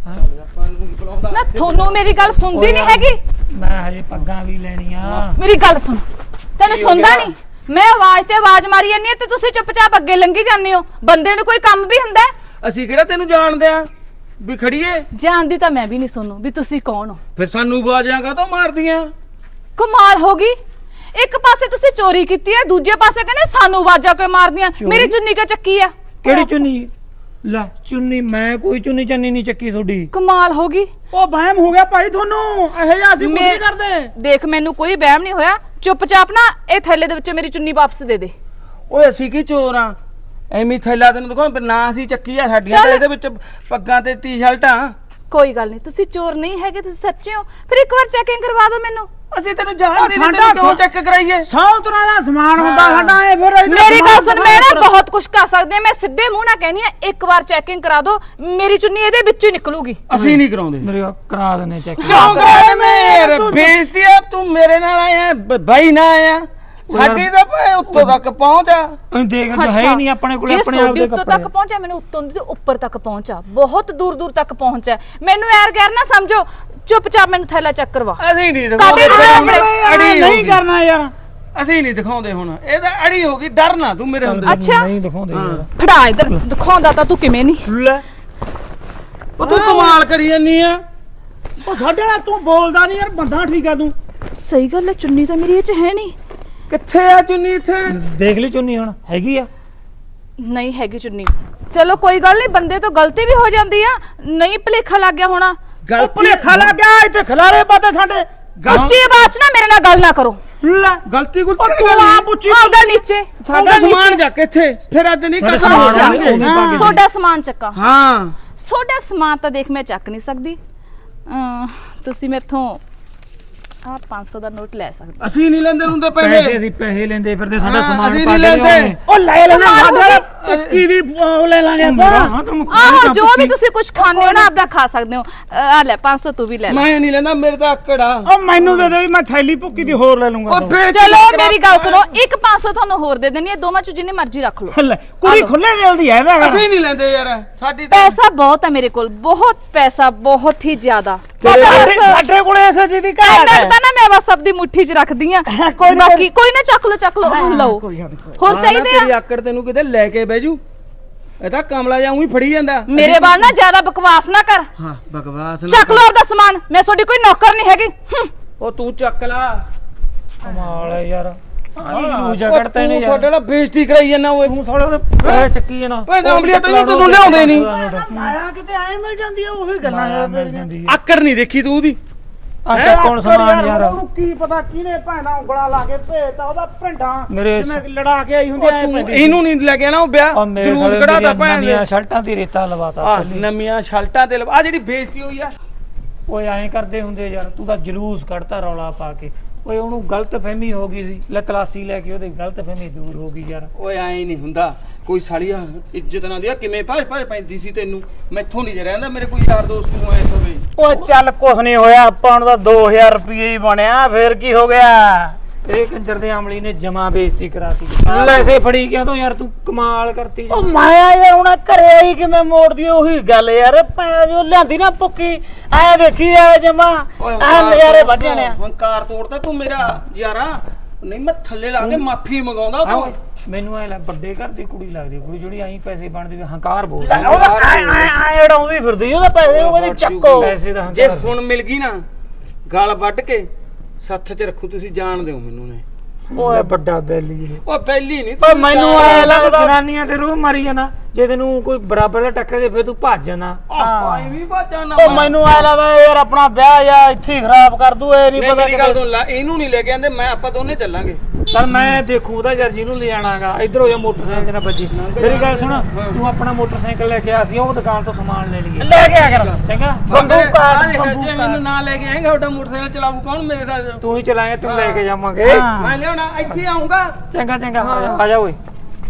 A: ਨਾ, ਤੁਹਾਨੂੰ ਮੇਰੀ ਗੱਲ ਸੁਣਦੀ ਨਹੀਂ ਹੈਗੀ।
E: ਮੈਂ ਹਜੇ ਪੱਗਾਂ ਵੀ ਲੈਣੀਆਂ।
A: ਮੇਰੀ ਗੱਲ ਸੁਣ, ਤੈਨੂੰ ਸੁਣਦਾ ਨਹੀਂ? ਮੈਂ ਆਵਾਜ਼ ਤੇ ਆਵਾਜ਼ ਮਾਰੀ ਜਾਂਦੀ ਆ ਤੇ ਤੁਸੀਂ ਚੁੱਪਚਾਪ ਅੱਗੇ ਲੰਘੀ ਜਾਂਦੇ ਹੋ। ਬੰਦੇ ਨੂੰ ਕੋਈ ਕੰਮ ਵੀ ਹੁੰਦਾ ਹੈ।
D: ਅਸੀਂ ਕਿਹੜਾ ਤੈਨੂੰ ਜਾਣਦੇ ਆ ਵੀ ਖੜੀਏ?
A: ਜਾਣਦੀ ਤਾਂ ਮੈਂ ਵੀ ਨਹੀਂ ਸੋਨੂੰ ਵੀ ਤੁਸੀਂ ਕੌਣ ਹੋ।
D: ਫਿਰ ਸਾਨੂੰ ਬਾਜਾਂ ਕਾਹਤੋਂ ਮਾਰਦੀਆਂ?
A: ਕਮਾਲ ਹੋ ਗਈ, ਇੱਕ ਪਾਸੇ ਤੁਸੀਂ ਚੋਰੀ ਕੀਤੀ ਹੈ, ਦੂਜੇ ਪਾਸੇ ਕਹਿੰਦੇ ਸਾਨੂੰ ਆਵਾਜ਼ਾਂ ਕਿਉਂ ਮਾਰਦੀਆਂ। ਮੇਰੀ ਚੁੰਨੀ ਕਿਉਂ ਚੱਕੀ ਆ?
E: ਕਿਹੜੀ ਚੁੰਨੀ? ਲੈ ਚੁੰਨੀ ਮੈਂ ਕੋਈ ਚੁੰਨੀ ਚੰਨੀ ਨਹੀਂ ਚੱਕੀ ਤੁਹਾਡੀ।
A: ਕਮਾਲ ਹੋ ਗਈ।
F: ਉਹ ਵਹਿਮ ਹੋ ਗਿਆ ਭਾਈ ਤੁਹਾਨੂੰ, ਇਹੋ ਜਿਹਾ ਅਸੀਂ ਕੁਝ
A: ਮੈਂ-
F: ਨਹੀਂ ਕਰਦੇ।
A: ਦੇਖ ਮੈਨੂੰ ਕੋਈ ਵਹਿਮ ਨਹੀਂ ਹੋਇਆ, ਚੁੱਪਚਾਪ ਨਾ ਇਹ ਥੈਲੇ ਦੇ ਵਿੱਚੋਂ ਮੇਰੀ ਚੁੰਨੀ ਵਾਪਸ ਦੇ ਦੇ।
D: ਓਏ ਅਸੀਂ ਕੀ ਚੋਰ ਆ? ਐਵੇਂ ਥੈਲਾ ਤੈਨੂੰ ਦਿਖਾਉਂ, ਨਾ ਅਸੀਂ ਚੱਕੀ ਆ, ਸਾਡੀਆਂ
A: ਚੱਲ।
D: ਤਾਂ ਇਹਦੇ ਵਿੱਚ ਪੱਗਾਂ ਤੇ ਟੀ-ਸ਼ਰਟਾਂ।
A: ਕੋਈ ਗੱਲ ਨਹੀਂ, ਤੁਸੀਂ ਚੋਰ ਨਹੀਂ ਹੈਗੇ, ਤੁਸੀਂ ਸੱਚੇ ਹੋ। ਫਿਰ ਇੱਕ ਵਾਰ ਚੈਕਿੰਗ ਕਰਵਾ ਦਿਓ ਮੈਨੂੰ।
D: ਅਸੀਂ ਤੈਨੂੰ ਜਾਣਦੇ ਨਹੀਂ,
F: ਸਾਡਾ
D: ਤੈਨੂੰ ਕਿਉਂ ਚੈੱਕ ਕਰਾਈਏ?
F: ਸੌ ਤਰ੍ਹਾਂ ਦਾ ਸਮਾਨ ਹੁੰਦਾ ਸਾਡਾ, ਇਹ ਫਿਰ ਇੱਧਰ
A: ਮੇਰੀ ਗੱਲ
F: ਸਮਾਨ
A: ਸੁਣ, ਮੈਂ ਨਾ ਬਹੁਤ ਕੁਝ ਕਰ ਸਕਦੀ ਹਾਂ, ਮੈਂ ਸਿੱਧੇ ਮੂੰਹ ਨਾਲ ਕਹਿਣੀ ਆ, ਇੱਕ ਵਾਰ ਚੈਕਿੰਗ ਕਰਾ ਦਿਓ, ਮੇਰੀ ਚੁੰਨੀ ਇਹਦੇ ਵਿੱਚੋਂ ਹੀ ਨਿਕਲੂਗੀ।
D: ਅਸੀਂ ਨਹੀਂ ਕਰਾਉਂਦੇ।
E: ਮੇਰੇ ਕਰਾ ਦਨੇ ਚੈੱਕ।
D: ਕਿਉਂ ਕਰਾਏ? ਮੇਰੇ ਬੇਇੱਜ਼ਤੀ ਆ, ਤੂੰ ਮੇਰੇ ਨਾਲ ਆਇਆ, ਬਾਈ ਨਾ ਆਇਆ। ਸਾਡੀ ਤਾਂ ਭਾਵੇਂ ਉੱਤੋਂ ਤੱਕ ਪਹੁੰਚ ਆ।
E: ਅਸੀਂ ਦੇਖ ਤਾਂ ਹੈ ਹੀ ਨਹੀਂ ਆਪਣੇ ਕੋਲ, ਆਪਣੇ ਆਪ ਦੇ
A: ਉੱਤੋਂ ਤੱਕ
E: ਕੱਪੜੇ।
A: ਪਹੁੰਚਿਆ, ਮੈਨੂੰ ਉੱਤੋਂ ਦੀ ਉੱਪਰ ਤੱਕ ਪਹੁੰਚਾ, ਬਹੁਤ ਦੂਰ ਦੂਰ ਤੱਕ ਪਹੁੰਚਾ। ਮੈਨੂੰ ਯਾਰ ਗੈਰ ਨਾ ਸਮਝੋ, ਚੁੱਪਚਾਪ ਮੈਨੂੰ ਥੈਲਾ ਚੈੱਕ ਕਰਵਾ।
D: ਅਸੀਂ ਨਹੀਂ
A: ਕਾਬੇ
D: ਦਿਖਾਉਂਦੇ,
A: ਨਾਲ
D: ਅੜੀ
F: ਨਹੀਂ ਕਰਨਾ ਯਾਰ।
D: ਅਸੀਂ ਨਹੀਂ ਦਿਖਾਉਂਦੇ। ਹੁਣ ਇਹ ਤਾਂ ਅੜੀ ਹੋ ਗਈ, ਡਰ ਨਾ ਤੂੰ ਮੇਰੇ ਹੁੰਦੇ।
A: ਅੱਛਾ।
E: ਨਹੀਂ ਦਿਖਾਉਂਦੇ ਯਾਰ।
A: ਫੜਾ ਇਧਰ, ਦਿਖਾਉਂਦਾ ਤਾਂ ਤੂੰ ਕਿਵੇਂ ਨਹੀਂ।
F: ਲੈ
D: ਉਹ ਤੂੰ ਕਮਾਲ ਕਰੀ ਜਾਨੀ ਆ।
F: ਉਹ ਸਾਡੇ ਨਾਲ ਤੂੰ ਬੋਲਦਾ ਨਹੀਂ ਯਾਰ, ਬੰਦਾ ਠੀਕ ਆ ਤੂੰ।
A: ਸਹੀ ਗੱਲ ਹੈ, ਚੁੰਨੀ ਤਾਂ ਮੇਰੀ ਇਹ ਚ ਹੈ ਨਹੀਂ।
D: ਕਿੱਥੇ ਆ ਚੁੰਨੀ? ਇੱਥੇ
E: ਦੇਖ ਲਈ ਚੁੰਨੀ ਹੁਣ ਹੈਗੀ ਆ?
A: ਨਹੀਂ ਹੈਗੀ ਚੁੰਨੀ। ਚਲੋ ਕੋਈ ਗੱਲ ਨਹੀਂ, ਬੰਦੇ ਤੋਂ ਗਲਤੀ ਵੀ ਹੋ ਜਾਂਦੀ ਆ, ਨਹੀਂ ਭੁਲੇਖਾ ਲੱਗ ਗਿਆ ਹੋਣਾ।
F: ਉਹ ਭੁਲੇਖਾ ਲੱਗ ਗਿਆ, ਇੱਥੇ ਖਿਲਾਰੇ ਪਾਤੇ ਸਾਡੇ।
A: ਉੱਚੀ ਆਵਾਜ਼ 'ਚ ਨਾ ਮੇਰੇ ਨਾਲ ਗੱਲ ਨਾ ਕਰੋ।
F: ਲੈ
D: ਗਲਤੀ ਕੋਈ
F: ਤੂੰ ਆਪ ਉੱਚੀ
A: ਆਹ ਗੱਲ ਨੀਚੇ,
D: ਸਾਡਾ
A: ਉਂਗਲ ਨੀਚੇ।
D: ਸਮਾਨ ਜਾ ਕੇ ਇੱਥੇ ਫਿਰ ਅੱਜ ਨਹੀਂ
E: ਸਾਡਾ
D: ਕਰਦਾ।
E: ਸਮਾਨ
A: ਅੱਛਾ,
E: ਉਹਨੇ ਪਾ ਕੇ
A: ਤੁਹਾਡਾ ਸਮਾਨ ਚੱਕਾ।
D: ਹਾਂ
A: ਤੁਹਾਡਾ ਸਮਾਨ ਤਾਂ ਦੇਖ ਮੈਂ ਚੱਕ ਨਹੀਂ ਸਕਦੀ। ਅਮ, ਤੁਸੀਂ ਮੇਥੋਂ ਆ ਪੰਜ ਸੌ ਦਾ ਨੋਟ ਲੈ ਸਕਦੇ।
D: ਅਸੀਂ ਨਹੀਂ ਲੈਂਦੇ ਹੁੰਦੇ
E: ਪੈਸੇ
D: ਪੈਸੇ।
E: ਅਸੀਂ ਪੈਸੇ ਲੈਂਦੇ ਫਿਰਦੇ, ਸਾਡਾ
D: ਹਾਂ,
E: ਸਮਾਨ
D: ਅਸੀਂ
E: ਪਾ
D: ਨਹੀਂ
E: ਕੇ
D: ਲੈਂਦੇ।
E: ਲਿਆਉਂਦੇ।
F: ਉਹ ਲੈ ਲੈਣਾ
A: ਕਮਾਲ ਹੋ
F: ਸਾਡੇ ਪੱਚੀ ਦੀ ਉਹ ਲੈ ਲਾਂਗੇ
E: ਹਾਂ
F: ਆਪਾਂ।
E: ਤੈਨੂੰ
A: ਆਹੋ, ਜੋ ਵੀ ਤੁਸੀਂ ਕੁਝ ਖਾਣੇ ਹੋ ਨਾ ਆਪਦਾ ਖਾ ਸਕਦੇ ਹੋ। ਆ ਲੈ ਪੰਜ ਸੌ ਤੂੰ ਵੀ ਲੈ ਲੈ।
D: ਮੈਂ ਨਹੀਂ ਲੈਂਦਾ, ਮੇਰੇ ਤਾਂ ਆਕੜ ਆ।
F: ਉਹ ਮੈਨੂੰ ਦੇ ਦੇ, ਮੈਂ ਥੈਲੀ ਭੁੱਕੀ ਦੀ ਹੋਰ ਲੈ ਲੂੰਗਾ।
D: ਉਹ ਫੇਰ
A: ਚਲੋ ਮੇਰੀ ਗੱਲ ਸੁਣੋ, ਇੱਕ ਪੰਜ ਸੌ ਤੁਹਾਨੂੰ ਹੋਰ ਦੇ ਦੇਣੀ ਹੈ, ਦੋਵਾਂ ਚ ਜਿੰਨੇ ਮਰਜ਼ੀ ਰੱਖ ਲਓ।
F: ਲੈ ਕੁੜੀ ਖੁੱਲੇ ਦਿਲ ਦੀ ਹੈ ਇਹਦਾ।
D: ਅਸੀਂ ਨਹੀਂ ਲੈਂਦੇ ਯਾਰ, ਸਾਡੀ ਤਾਂ
A: ਪੈਸਾ ਬਹੁਤ ਹੈ ਮੇਰੇ ਕੋਲ, ਬਹੁਤ ਪੈਸਾ, ਬਹੁਤ ਹੀ ਜ਼ਿਆਦਾ।
F: ਸਾਡੇ
A: ਬਸ
F: ਸਾਡੇ ਕੋਲੇ ਐਸੇ ਜੀ ਦੀ ਘਾਟ
A: ਇੰਨਾ
F: ਹੈ।
A: ਕੁ ਤਾਂ ਨਾ ਮੈਂ ਬਸ ਆਪਦੀ ਮੁੱਠੀ 'ਚ ਰੱਖਦੀ ਆ।
F: ਕੋਈ ਨੀ,
A: ਬਾਕੀ ਕੋਈ ਨਾ, ਚੱਕ ਲਓ ਚੱਕ ਲਓ, ਲਓ।
F: ਕੋਈ ਗੱਲ ਨੀ, ਕੋਈ।
A: ਹੋਰ
D: ਹਾਂ ਨਾ,
A: ਚਾਹੀਦੇ
D: ਤੇਰੀ
A: ਆ?
D: ਆਕੜ ਤੈਨੂੰ ਕਿਤੇ ਲੈ ਕੇ ਬਹਿ ਜੂ। ਇਹ ਤਾਂ ਕਮਲਾ ਜਾਂ ਉਹੀ ਫੜੀ ਜਾਂਦਾ।
A: ਮੇਰੇ ਬਾਲ ਨਾ ਜ਼ਿਆਦਾ ਬਕਵਾਸ ਨਾ ਕਰ।
D: ਹਾਂ ਬਕਵਾਸ ਨਾ
A: ਚੱਕ ਲਓ ਆਪਦਾ ਸਮਾਨ, ਮੈਂ ਤੁਹਾਡੀ ਕੋਈ ਨੌਕਰ ਨਹੀਂ ਹੈਗੀ। ਹੂੰ।
D: ਉਹ ਤੂੰ ਚੱਕ ਲਾ।
E: ਕਮਾਲ ਹੈ ਯਾਰ। ਆਹ ਲੂਜਾ
D: ਉਹ
E: ਕੱਢਤਾ ਇਹਨੇ
D: ਤੂੰ
E: ਯਾਰ।
D: ਛੋਟੇ ਨਾਲ ਬੇਇੱਜ਼ਤੀ ਕਰਾਈ ਜਾਂਦਾ ਓਏ।
E: ਤੂੰ ਸਾਲੇ ਉਹਦੇ ਪੈਸੇ ਚੱਕੀ ਜਾਣਾ।
D: ਓਏ ਗਾਮਲੀਆ ਤੈਨੂੰ ਤੈਨੂੰ ਲਿਆਉਂਦੇ ਨਹੀਂ।
F: ਮਾਇਆ ਕਿਤੇ ਐ ਮਿਲ ਜਾਂਦੀ ਆ, ਉਹੀ ਗੱਲਾਂ
E: ਮਾਇਆ
F: ਯਾਰ
E: ਮਿਲ
F: ਤੇਰੀਆਂ।
E: ਜਾਂਦੀ ਹੈ।
D: ਆਕੜ ਨਹੀਂ ਦੇਖੀ ਤੂੰ ਉਹਦੀ।
E: ਆ ਚੱਕ ਹੁਣ ਸਮਾਨ ਯਾਰ।
F: ਉਹਨੂੰ ਕੀ ਪਤਾ ਕਿਹਨੇ ਭੈਣਾ ਉਂਗਲਾਂ ਲਾ ਕੇ ਭੇਜਤਾ ਉਹਦਾ ਭਿੰਡਾਂ
E: ਮੇਰੇ
F: ਜਿਵੇਂ ਲੜਾ ਕੇ ਆਈ ਹੁੰਦੀ
D: ਉਹ
F: ਐ
D: ਤੂੰ ਇਹਨੂੰ ਨਹੀਂ ਲੈ ਕੇ ਆਣਾ ਉਹ ਵਿਆਹ।
E: ਆ ਮੇਰੇ
D: ਜਲੂਸ
E: ਸਾਲੇ
D: ਕਢਾਤਾ
E: ਦੀਆਂ
D: ਭੈਣ ਦੇ।
E: ਨਵੀਆਂ ਸ਼ਰਟਾਂ ਦੀ ਰੇਤਾ ਲਵਾਤਾ।
D: ਆਹ ਨਵੀਆਂ ਸ਼ਰਟਾਂ ਤੇ ਆ ਜਿਹੜੀ ਬੇਇੱਜ਼ਤੀ ਹੋਈ ਆ।
E: ਓਏ ਐਂ ਕਰਦੇ ਹੁੰਦੇ ਯਾਰ, ਤੂੰ ਤਾਂ ਜਲੂਸ ਕੱਢਤਾ ਰੌਲਾ ਪਾ ਕੇ। ਓਏ ਉਹਨੂੰ ਗਲਤਫਹਿਮੀ ਹੋ ਗਈ ਸੀ, ਲੈ ਤਲਾਸੀ ਲੈ ਕੇ ਉਹਦੀ ਗਲਤਫਹਿਮੀ ਦੂਰ ਹੋ ਗਈ ਯਾਰ।
D: ਓਏ ਐਂ ਨਹੀਂ ਹੁੰਦਾ, ਕੋਈ ਸਾਲੀਆ ਇੱਜ਼ਤ ਨਾ ਦਿਆ, ਕਿਵੇਂ ਭਾਜ ਭਾਜ ਪੈਂਦੀ ਸੀ ਤੈਨੂੰ। ਮੈਥੋਂ ਨਹੀਂ ਰਹਿੰਦਾ, ਮੇਰੇ ਕੋਈ ਯਾਰ ਦੋਸਤ ਨੂੰ ਐ ਹੋਵੇ।
F: ਓ ਚੱਲ ਕੁਛ ਨਹੀਂ ਹੋਇਆ, ਆਪਾਂ ਨੂੰ ਤਾਂ ਦੋ ਹਜ਼ਾਰ ਰੁਪਏ ਹੀ ਬਣਿਆ, ਫੇਰ ਕੀ ਹੋ ਗਿਆ।
E: ਇਹ ਕੰਜਰ ਦੇ ਅਮਲੀ ਨੇ ਜਮਾ ਬੇਇੱਜ਼ਤੀ ਕਰਾਤੀ। ਲੈਸੇ ਫੜੀ ਕਿਉਂ ਤੂੰ ਯਾਰ, ਤੂੰ ਕਮਾਲ ਕਰਤੀ।
F: ਉਹ ਮਾਇਆ ਯਾਰ ਹੁਣ ਘਰੇ ਆਈ ਕਿਵੇਂ ਮੋੜਦੀ ਉਹੀ ਗੱਲ ਯਾਰ, ਭੈਣ ਜੋ ਲਿਆਂਦੀ ਨਾ ਪੁੱਕੀ ਐ ਦੇਖੀ ਐ ਜਮਾ ਐ ਨਜ਼ਾਰੇ ਵੱਜ ਜਾਣੇ ਆ।
D: ਹੰਕਾਰ ਤੋੜਦਾ ਤੂੰ ਮੇਰਾ ਯਾਰਾ। ਨਹੀਂ ਮੈਂ ਥੱਲੇ ਲਾ ਕੇ ਮਾਫੀ ਮੰਗਾਉਂਦਾ ਤੂੰ।
E: ਮੈਨੂੰ ਐ ਲੱਗ ਵੱਡੇ ਘਰ ਦੀ ਕੁੜੀ ਲੱਗਦੀ, ਕੁੜੀ ਜਿਹੜੀ ਐਂ ਪੈਸੇ ਬਣਦੀ ਵੀ ਹੰਕਾਰ ਬੋਲ
F: ਉਹਦਾ ਐ ਐ ਐ ਉਡਾਉਂਦੀ ਫਿਰਦੀ, ਉਹਦਾ ਪੈਸੇ ਉਹ ਕਹਿੰਦੀ ਚੱਕੋ।
E: ਪੈਸੇ ਦਾ
D: ਜੇ
E: ਹੰਕਾਰ।
D: ਹੁਣ ਮਿਲ ਗਈ ਨਾ ਗਲ ਵੱਢ ਕੇ ਸੱਥ 'ਚ ਰੱਖੂ, ਤੁਸੀਂ ਜਾਣਦੇ ਹੋ ਮੈਨੂੰ ਨੇ।
E: ਓਏ ਵੱਡਾ ਬੈਲੀ ਇਹ।
D: ਓ ਪਹਿਲੀ ਨਹੀਂ
F: ਓ ਮੈਨੂੰ ਐ ਲੱਗਦਾ
E: ਜਨਾਨੀਆਂ ਤੇ ਰੂਹ ਮਾਰੀ ਜਾਣਾ, ਜੇ ਤੈਨੂੰ ਕੋਈ ਬਰਾਬਰ ਦਾ ਟੱਕਰ ਦੇ ਫਿਰ ਤੂੰ ਭੱਜ ਜਾਣਾ।
D: ਆਏ ਵੀ ਬਾਜਾਂ ਨਾ।
F: ਓ ਮੈਨੂੰ ਐ ਲੱਗਦਾ ਯਾਰ ਆਪਣਾ ਵਿਆਹ ਜਾਂ ਇੱਥੇ ਹੀ ਖਰਾਬ ਕਰ ਦੂ, ਇਹ ਨਹੀਂ
D: ਨਹੀਂ
F: ਪਤਾ
D: ਮੇਰੀ ਗੱਲ ਸੁਣ ਲੈ, ਇਹਨੂੰ ਨਹੀਂ ਲੈ ਕੇ ਆਂਦੇ, ਮੈਂ ਆਪਾਂ ਦੋਨੇ ਚੱਲਾਂਗੇ।
E: ਚੱਲ ਮੈਂ ਦੇਖੂ ਉਹਦਾ ਯਾਰ ਜਿਹਨੂੰ ਲੈ ਜਾਣਾਗਾ। ਇੱਧਰ ਹੋ ਜਾ, ਮੋਟਰਸਾਈਕਲ ਨਾ ਵੱਜੀ। ਮੇਰੀ ਗੱਲ ਸੁਣ, ਤੂੰ ਆਪਣਾ ਮੋਟਰਸਾਈਕਲ ਲੈ ਕੇ ਆ, ਸੀ ਉਹ ਦੁਕਾਨ ਤੋਂ ਸਮਾਨ ਲੈ ਲਈਏ।
F: ਲੈ ਕੇ ਆ ਕਰ
E: ਚੰਗਾ
F: ਬੰਦੂਕ
D: ਆ
F: ਕਾਟ
D: ਜੇ
F: ਬੰਦੂਕ
D: ਮੈਨੂੰ ਨਾ ਲੈ ਕੇ ਆਏਗਾ, ਤੁਹਾਡਾ ਮੋਟਰਸਾਈਕਲ ਚਲਾਊ ਕੌਣ ਮੇਰੇ ਸਾਥ?
E: ਤੂੰ ਹੀ ਚਲਾਏਗਾ, ਤੈਨੂੰ ਲੈ ਕੇ ਜਾਵਾਂਗੇ।
D: ਮੈਂ ਲਿਆਉਣਾ, ਇੱਥੇ ਆਉਂਗਾ।
E: ਚੰਗਾ ਚੰਗਾ ਆ ਜਾ, ਆ ਜਾ ਓਏ।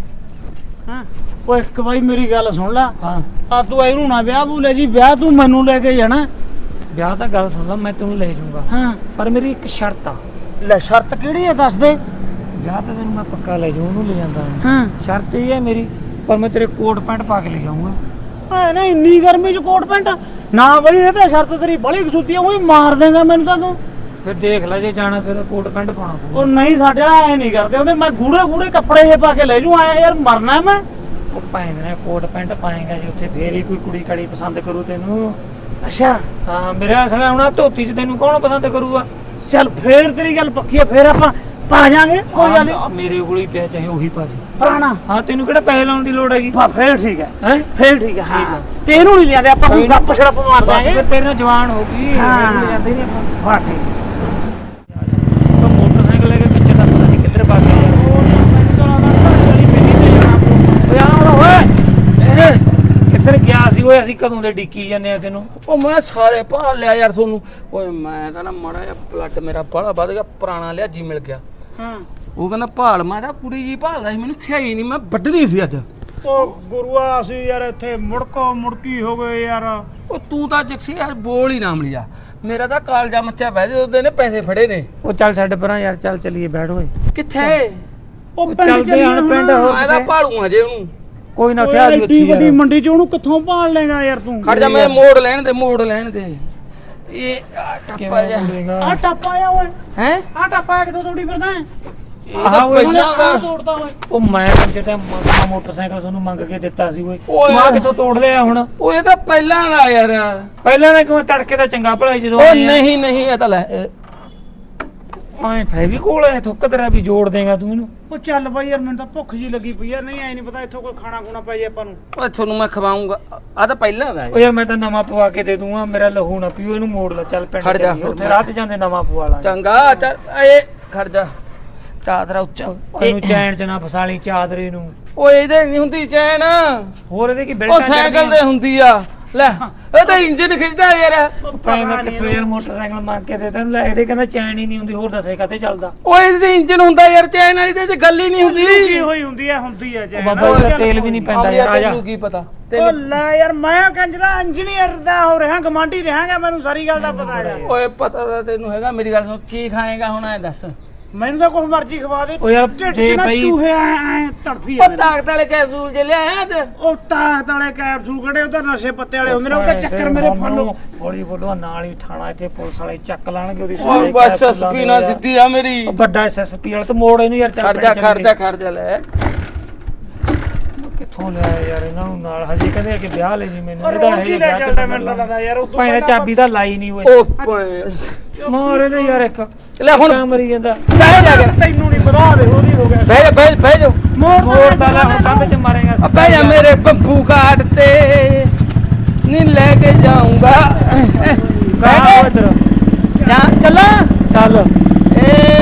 F: ਹਾਂ ਓ ਇੱਕ ਵਾਰੀ ਮੇਰੀ ਗੱਲ ਸੁਣ ਲੈ,
E: ਹਾਂ
F: ਆ ਤੂੰ ਇਹਨੂੰ ਨਾ ਵਿਆਹ ਬੂਲੇ ਜੀ, ਵਿਆਹ ਤੂੰ ਮੈਨੂੰ ਲੈ ਕੇ ਜਾਣਾ।
E: ਵਿਆਹ ਤਾਂ ਗੱਲ ਸੁਣ ਲਾ, ਮੈਂ ਤੈਨੂੰ ਲੈ ਜਾਊਂਗਾ,
F: ਹਾਂ
E: ਪਰ ਮੇਰੀ ਇੱਕ ਸ਼ਰਤ ਆ।
F: ਲੈ ਸ਼ਰਤ ਕਿਹੜੀ ਹੈ ਦੱਸ ਦੇ।
E: ਵਿਆਹ ਤਾਂ ਤੈਨੂੰ ਮੈਂ ਪੱਕਾ ਲੈ ਜਾਊਂ, ਉਹਨੂੰ ਲੈ ਜਾਂਦਾ ਹਾਂ।
F: ਹਾਂ
E: ਸ਼ਰਤ ਇਹ ਹੈ ਮੇਰੀ, ਪਰ ਮੈਂ ਤੇਰੇ ਕੋਟ ਪੈਂਟ ਪਾ ਕੇ ਲੈ ਜਾਊਂਗਾ।
F: ਐ ਨਾ ਇੰਨੀ ਗਰਮੀ ਚ ਕੋਟ ਪੈਂਟ ਨਾ ਬਈ, ਇਹ ਤਾਂ ਸ਼ਰਤ ਤੇਰੀ ਬੜੀ ਕਸੂਤੀ ਆ, ਉਹੀ ਮਾਰ ਦੇਗਾ ਮੈਨੂੰ ਤਾਂ ਤੂੰ।
E: ਫਿਰ ਦੇਖ ਲੈ, ਜੇ ਜਾਣਾ ਫਿਰ ਕੋਟ ਪੈਂਟ ਪਾਉਣਾ ਪਊਗਾ।
F: ਉਹ ਨਹੀਂ ਸਾਡੇ ਐ ਨਹੀਂ ਕਰਦੇ ਉਹਦੇ, ਮੈਂ ਗੂੜੇ ਗੂੜੇ ਕੱਪੜੇ ਜੇ ਪਾ ਕੇ ਲੈ ਜੂ, ਆਇਆ ਯਾਰ ਮਰਨਾ ਮੈਂ।
E: ਉਹ ਭਾਵੇਂ ਨੇ ਕੋਟ ਪੈਂਟ ਪਾਏਗਾ ਜੇ ਉੱਥੇ ਫੇਰ ਹੀ ਕੋਈ ਕੁੜੀ ਕਾੜੀ ਪਸੰਦ ਕਰੂ ਤੈਨੂੰ।
F: ਅੱਛਾ
E: ਹਾਂ ਮੇਰਾ ਅਸਲ ਹੁਣ ਧੋਤੀ ਚ ਤੈਨੂੰ ਕੌਣ ਪਸੰਦ ਕਰੂਗਾ।
F: ਚੱਲ ਫੇਰ ਤੇਰੀ ਗੱਲ ਪੱਕੀ ਆ, ਫੇਰ ਆਪਾਂ ਪਾ ਜਾਾਂਗੇ, ਕੋਈ ਗੱਲ ਨੀ।
E: ਹਾਂ, ਮੇਰੇ ਕੋਲ ਹੀ ਪਿਆ, ਚਾਹੇ ਉਹੀ ਪਾ ਦੇ।
F: ਪੁਰਾਣਾ
E: ਹਾਂ ਤੈਨੂੰ ਕਿਹੜਾ ਪੈਸੇ ਲਾਉਣ ਦੀ ਲੋੜ ਹੈਗੀ।
F: ਬਾ ਫੇਰ ਠੀਕ ਹੈ,
E: ਹੈ
F: ਫੇਰ ਠੀਕ ਹੈ। ਹਾਂ ਤੇ ਇਹਨੂੰ ਨਹੀਂ ਲਿਆਂਦੇ ਆਪਾਂ, ਕੋਈ ਗੱਪ ਛੜਪ ਮਾਰ
E: ਬਸ
F: ਦਾਂਗੇ।
E: ਫਿਰ ਤੇਰੇ ਨਾਲ ਜਵਾਨ ਹੋ ਗਈ,
F: ਹਾਂ।
E: ਮੈਨੂੰ ਜਾਂਦੇ ਨਹੀਂ ਆਪਾਂ।
F: ਵਾਹ ਠੀਕ
E: ਤਾਂ ਮੋਟਰਸਾਈਕਲ ਲੈ ਕੇ ਪਿੱਛੇ ਤਾਂ ਪਤਾ ਨਹੀਂ ਕਿੱਧਰ ਭੱਜ ਗਿਆ। ਓਏ ਆ ਹੁਣ ਓਏ, ਕਿੱਧਰ ਗਿਆ ਸੀ ਓਏ? ਅਸੀਂ ਕਦੋਂ ਦੇ ਡਿੱਕੀ ਜਾਂਦੇ ਆ ਤੈਨੂੰ।
D: ਉਹ ਮੈਂ ਸਾਰੇ ਭਾਲ ਲਿਆ ਯਾਰ ਤੁਹਾਨੂੰ। ਓਏ ਮੈਂ ਤਾਂ ਨਾ ਮਾੜਾ ਜਿਹਾ ਬਲੱਡ ਮੇਰਾ ਬਾਹਲਾ ਵੱਧ ਗਿਆ, ਪੁਰਾਣਾ ਲਿਆ ਜੀ ਮਿਲ ਗਿਆ।
F: ਹਾਂ
D: ਉਹ ਕਹਿੰਦਾ ਭਾਲ, ਮੈਂ ਤਾਂ ਕੁੜੀ ਜੀ ਭਾਲਦਾ ਸੀ, ਮੈਨੂੰ ਥਿਆਈ ਨਹੀਂ, ਮੈਂ ਵੱਢਣੀ ਸੀ ਅੱਜ।
F: ਉਹ ਗੁਰੂਆ ਅਸੀਂ ਯਾਰ ਇੱਥੇ ਮੁੜਕੋ ਮੁੜਕੀ ਹੋ ਗਏ ਯਾਰ।
D: ਉਹ ਤੂੰ ਤਾਂ ਜੱਸੀ ਯਾਰ ਬੋਲ ਹੀ ਨਾ ਮਲਿਆ, ਮੇਰਾ ਤਾਂ ਕਾਲਜਾ ਮੱਚਿਆ ਬਹਿ ਦੇ, ਉਹਦੇ ਨੇ ਪੈਸੇ ਫੜੇ ਨੇ।
E: ਉਹ ਚੱਲ ਛੱਡ ਪਰਾਂ ਯਾਰ, ਚੱਲ ਚੱਲੀਏ, ਬੈਠ ਓਏ।
D: ਕਿੱਥੇ?
F: ਉਹ
E: ਚੱਲਦੇ ਹਣ ਪਿੰਡ ਹੋਰ
D: ਮੈਂ ਤਾਂ ਭਾਲੂ ਹਜੇ ਉਹਨੂੰ।
E: ਕੋਈ ਨਾ ਥਿਆ ਦੀ ਉੱਥੇ
F: ਏਡੀ ਵੱਡੀ
E: ਯਾਰ।
F: ਮੰਡੀ ਚ ਉਹਨੂੰ ਕਿੱਥੋਂ ਭਾਲ ਲੈਗਾ ਯਾਰ ਤੂੰ?
D: ਖੜ ਜਾ, ਮੈਂ ਮੋੜ ਲੈਣ ਦੇ, ਮੋੜ ਲੈਣ ਦੇ। ਇਹ ਆਹ ਟੱਪਾ
E: ਕਿਵੇਂ
D: ਜਾ
E: ਬੋਲੇਗਾ?
F: ਆ ਟੱਪਾ ਆ ਓਏ,
D: ਹੈ,
F: ਆ ਟੱਪਾ ਕਿੱਥੋਂ ਤੋੜੀ ਫਿਰਦਾ ਹੈ?
D: ਇਹ ਤਾਂ
E: ਆਹ ਓਏ,
D: ਪਹਿਲਾਂ
F: ਆ
D: ਦਾ।
F: ਤੋੜਦਾ ਓਏ।
E: ਉਹ ਮੈਂ ਕੰਜਰ ਤੇ ਮ- ਮੋਟਰਸਾਈਕਲ ਤੁਹਾਨੂੰ ਮੰਗ ਕੇ ਦਿੱਤਾ ਸੀ ਓਏ।
D: ਓਏ।
E: ਮੈਂ ਕਿੱਥੋਂ ਤੋੜ ਲਿਆ ਹੁਣ?
D: ਉਹ ਇਹ ਤਾਂ ਪਹਿਲਾਂ ਦਾ ਯਾਰ।
E: ਪਹਿਲਾਂ ਤਾਂ ਕਿਉਂ ਤੜਕੇ ਦਾ ਚੰਗਾ ਭਲਾ ਸੀ ਜਦੋਂ
D: ਉਹ
E: ਆਏ ਆ।
D: ਨਹੀਂ ਨਹੀਂ, ਇਹ ਤਾਂ ਲੈ ਇਹ-
E: ਐ ਫੈਵੀਕੋਲ ਐ ਥੁੱਕ ਤੇਰਾ ਵੀ ਜੋੜ ਦੇਗਾ ਤੂੰ ਇਹਨੂੰ।
F: ਉਹ ਚੱਲ ਬਾਈ ਯਾਰ ਮੈਨੂੰ ਤਾਂ ਭੁੱਖ ਜੀ ਲੱਗੀ ਪਈ ਆ, ਨਹੀਂ ਐ ਨਹੀਂ ਪਤਾ ਇੱਥੋਂ ਕੋਈ ਖਾਣਾ ਖੂਣਾ ਪੈ ਜੇ ਆਪਾਂ ਨੂੰ।
D: ਓਏ ਤੁਹਾਨੂੰ ਮੈਂ ਖਵਾਉਂਗਾ, ਆ ਤਾਂ ਪਹਿਲਾਂ ਦਾ
E: ਓ
D: ਹੈ।
E: ਯਾਰ ਮੈਂ ਤਾਂ ਨਵਾਂ ਪਵਾ ਕੇ ਦੇ ਦੂੰਗਾ, ਮੇਰਾ ਲਹੂ ਨਾ ਪੀਓ, ਇਹਨੂੰ ਮੋੜ ਲੈ, ਚੱਲ ਪਿੰਡ
D: ਖੜ ਜਾ
E: ਚੱਲੀਏ,
D: ਫਿਰ
E: ਉੱਥੇ
D: ਮੈਂ-
E: ਰਾਹ 'ਚ ਜਾਂਦੇ ਨਵਾਂ ਪਵਾ ਲਾਂਗੇ।
D: ਚੰਗਾ ਚੱਲ, ਇਹ ਖੜ ਜਾ, ਚਾਦਰਾ ਉੱਚਾ।
E: ਇਹਨੂੰ ਚੈਨ 'ਚ ਨਾ ਫਸਾਲੀ ਚਾਦਰੇ ਨੂੰ।
D: ਓਏ ਇਹਦੇ ਨਹੀਂ ਹੁੰਦੀ ਚੈਨ,
E: ਹੋਰ ਇਹਦੇ ਕੀ
D: ਉਹ
E: ਬਿਲਟਾਂ
D: ਸਾਈਕਲ ਤੇ ਹੁੰਦੀ ਆ। ਲੈ ਇਹ ਤਾਂ ਇੰਜਨ ਖਿੱਚਦਾ ਯਾਰ।
E: ਭਾਈ ਮੈਂ ਕਿੱਥੋਂ ਯਾਰ ਮੋਟਰਸਾਈਕਲ ਮੰਗ ਕੇ ਦੇ ਤੈਨੂੰ, ਲੈ ਇਹਦੇ ਕਹਿੰਦਾ ਚੈਨ ਹੀ ਨਹੀਂ ਹੁੰਦੀ, ਹੋਰ ਦੱਸੇ ਕਾਤੇ ਚੱਲਦਾ।
D: ਓਏ ਇਹਦੇ ਤੇ ਇੰਜਨ ਹੁੰਦਾ ਯਾਰ, ਚੈਨ ਵਾਲੀ ਤੇ ਗੱਲ ਹੀ ਨਹੀਂ ਹੁੰਦੀ।
F: ਕੀ ਹੋਈ ਹੁੰਦੀ ਆ, ਹੁੰਦੀ ਆ
E: ਉਹ
F: ਜੈ
E: ਬਾਬਾ ਇਹਦਾ ਤੇਲ ਵੀ ਨਹੀਂ ਪੈਂਦਾ ਯਾਰ, ਆ ਜਾ।
D: ਤੈਨੂੰ ਕੀ ਪਤਾ?
F: ਉਹ
D: ਤੈਨੂੰ
F: ਲੈ ਯਾਰ ਮੈਂ ਕੰਜਰਾ ਇੰਜੀਨੀਅਰ ਦਾ ਹੋ ਰਿਹਾ, ਗਮਾਂਡੀ ਰਹਾਂਗਾ, ਮੈਨੂੰ ਸਾਰੀ ਗੱਲ ਦਾ ਪਤਾ ਹੈਗਾ।
D: ਓਏ ਪਤਾ ਤਾਂ ਤੈਨੂੰ ਹੈਗਾ, ਮੇਰੀ ਗੱਲ ਸੁਣ, ਕੀ ਖਾਏਗਾ ਹੁਣ ਐ ਦੱਸ।
F: ਮੈਨੂੰ ਤਾਂ ਕੁਝ ਮਰਜ਼ੀ ਖਵਾ ਦੇ।
E: ਓ ਯਾਰ
F: ਢਿੱਡ 'ਚ
E: ਜੇ
F: ਨਾ
E: ਬਈ
F: ਚੂਹੇ ਐ ਐ ਤੜਫੀ
D: ਉਹ
F: ਜਾਂਦੇ ਨੇ।
D: ਤਾਕਤ ਵਾਲੇ ਕੈਪਸੂਲ ਜੇ ਲਿਆਇਆ ਤੇ
F: ਉਹ ਤਾਕਤ ਵਾਲੇ ਕੈਪਸੂਲ ਕਿਹੜੇ, ਉਹ ਤਾਂ ਨਸ਼ੇ ਪੱਤੇ ਵਾਲੇ ਹੁੰਦੇ ਨੇ, ਉਹ ਤਾਂ ਚੱਕਰ ਮੇਰੇ ਫੱਲੋ।
E: ਹੌਲੀ ਬੋਲੋ, ਨਾਲ ਹੀ ਥਾਣਾ ਇੱਥੇ ਪੁਲਿਸ ਵਾਲੇ ਚੱਕ ਲਾਣਗੇ ਉਹਦੀ
D: ਓਏ ਬਸ ਸਪੀਨਾ ਸਿੱਧੀ ਆ ਮੇਰੀ।
E: ਉਹ ਵੱਡਾ ਐਸਐਸਪੀ ਵਾਲਾ ਤੇ ਮੋੜ ਇਹਨੂੰ ਯਾਰ, ਚੱਲ
D: ਖੜ ਜਾ
E: ਪਿੰਡ
D: ਖੜ ਜਾ
E: ਚੱਲੀਏ।
D: ਖੜ ਜਾ ਲੈ।
E: ਕਿੱਥੋਂ ਲਿਆ ਯਾਰ ਇਹਨਾਂ ਨੂੰ ਨਾਲ, ਹਜੇ ਕਹਿੰਦੇ ਕਿ ਵਿਆਹ ਲੈ ਜੀ ਮੈਨੂੰ।
F: ਉਹ
E: ਇਹਦਾ
F: ਰੋਜ਼ ਹੀ ਲੈ ਚੱਲਦਾ ਮੈਨੂੰ ਤਾਂ ਲੱਗਦਾ ਯਾਰ, ਉਹ ਤੋਂ
E: ਭਾਈ ਨੇ
F: ਪਹਿਲਾਂ
E: ਚਾਬੀ ਤਾਂ ਲਾਈ ਨਹੀਂ ਓਏ।
D: ਉਹ ਭਾਈ
E: ਮਾਰ ਇਹਦੇ ਯਾਰ ਇੱਕ
D: ਲੈ ਹੁਣ
E: ਕਿਆ ਮਰੀ ਜਾਂਦਾ।
D: ਬਹਿ ਜਾ ਕੇ,
F: ਤੈਨੂੰ ਨਹੀਂ ਪਤਾ ਦੇ ਉਹਦੀ ਹੋ ਗਿਆ।
D: ਬਹਿ ਜਾ ਬਹਿ ਬਹਿ ਜਾ
F: ਮੋੜ
E: ਮੋੜ ਤਾਂ ਲੈ ਹੁਣ ਕੰਧ 'ਚ ਮਾਰੇਗਾ।
D: ਆ ਬਹਿ ਜਾ ਮੇਰੇ ਬੰਬੂ ਕਾਟ ਤੇ, ਨੀ ਲੈ ਕੇ ਜਾਊਂਗਾ।
E: ਗਾ ਇੱਧਰ
D: ਜਾ ਚੱਲਾਂ
E: ਚੱਲ।
D: ਏ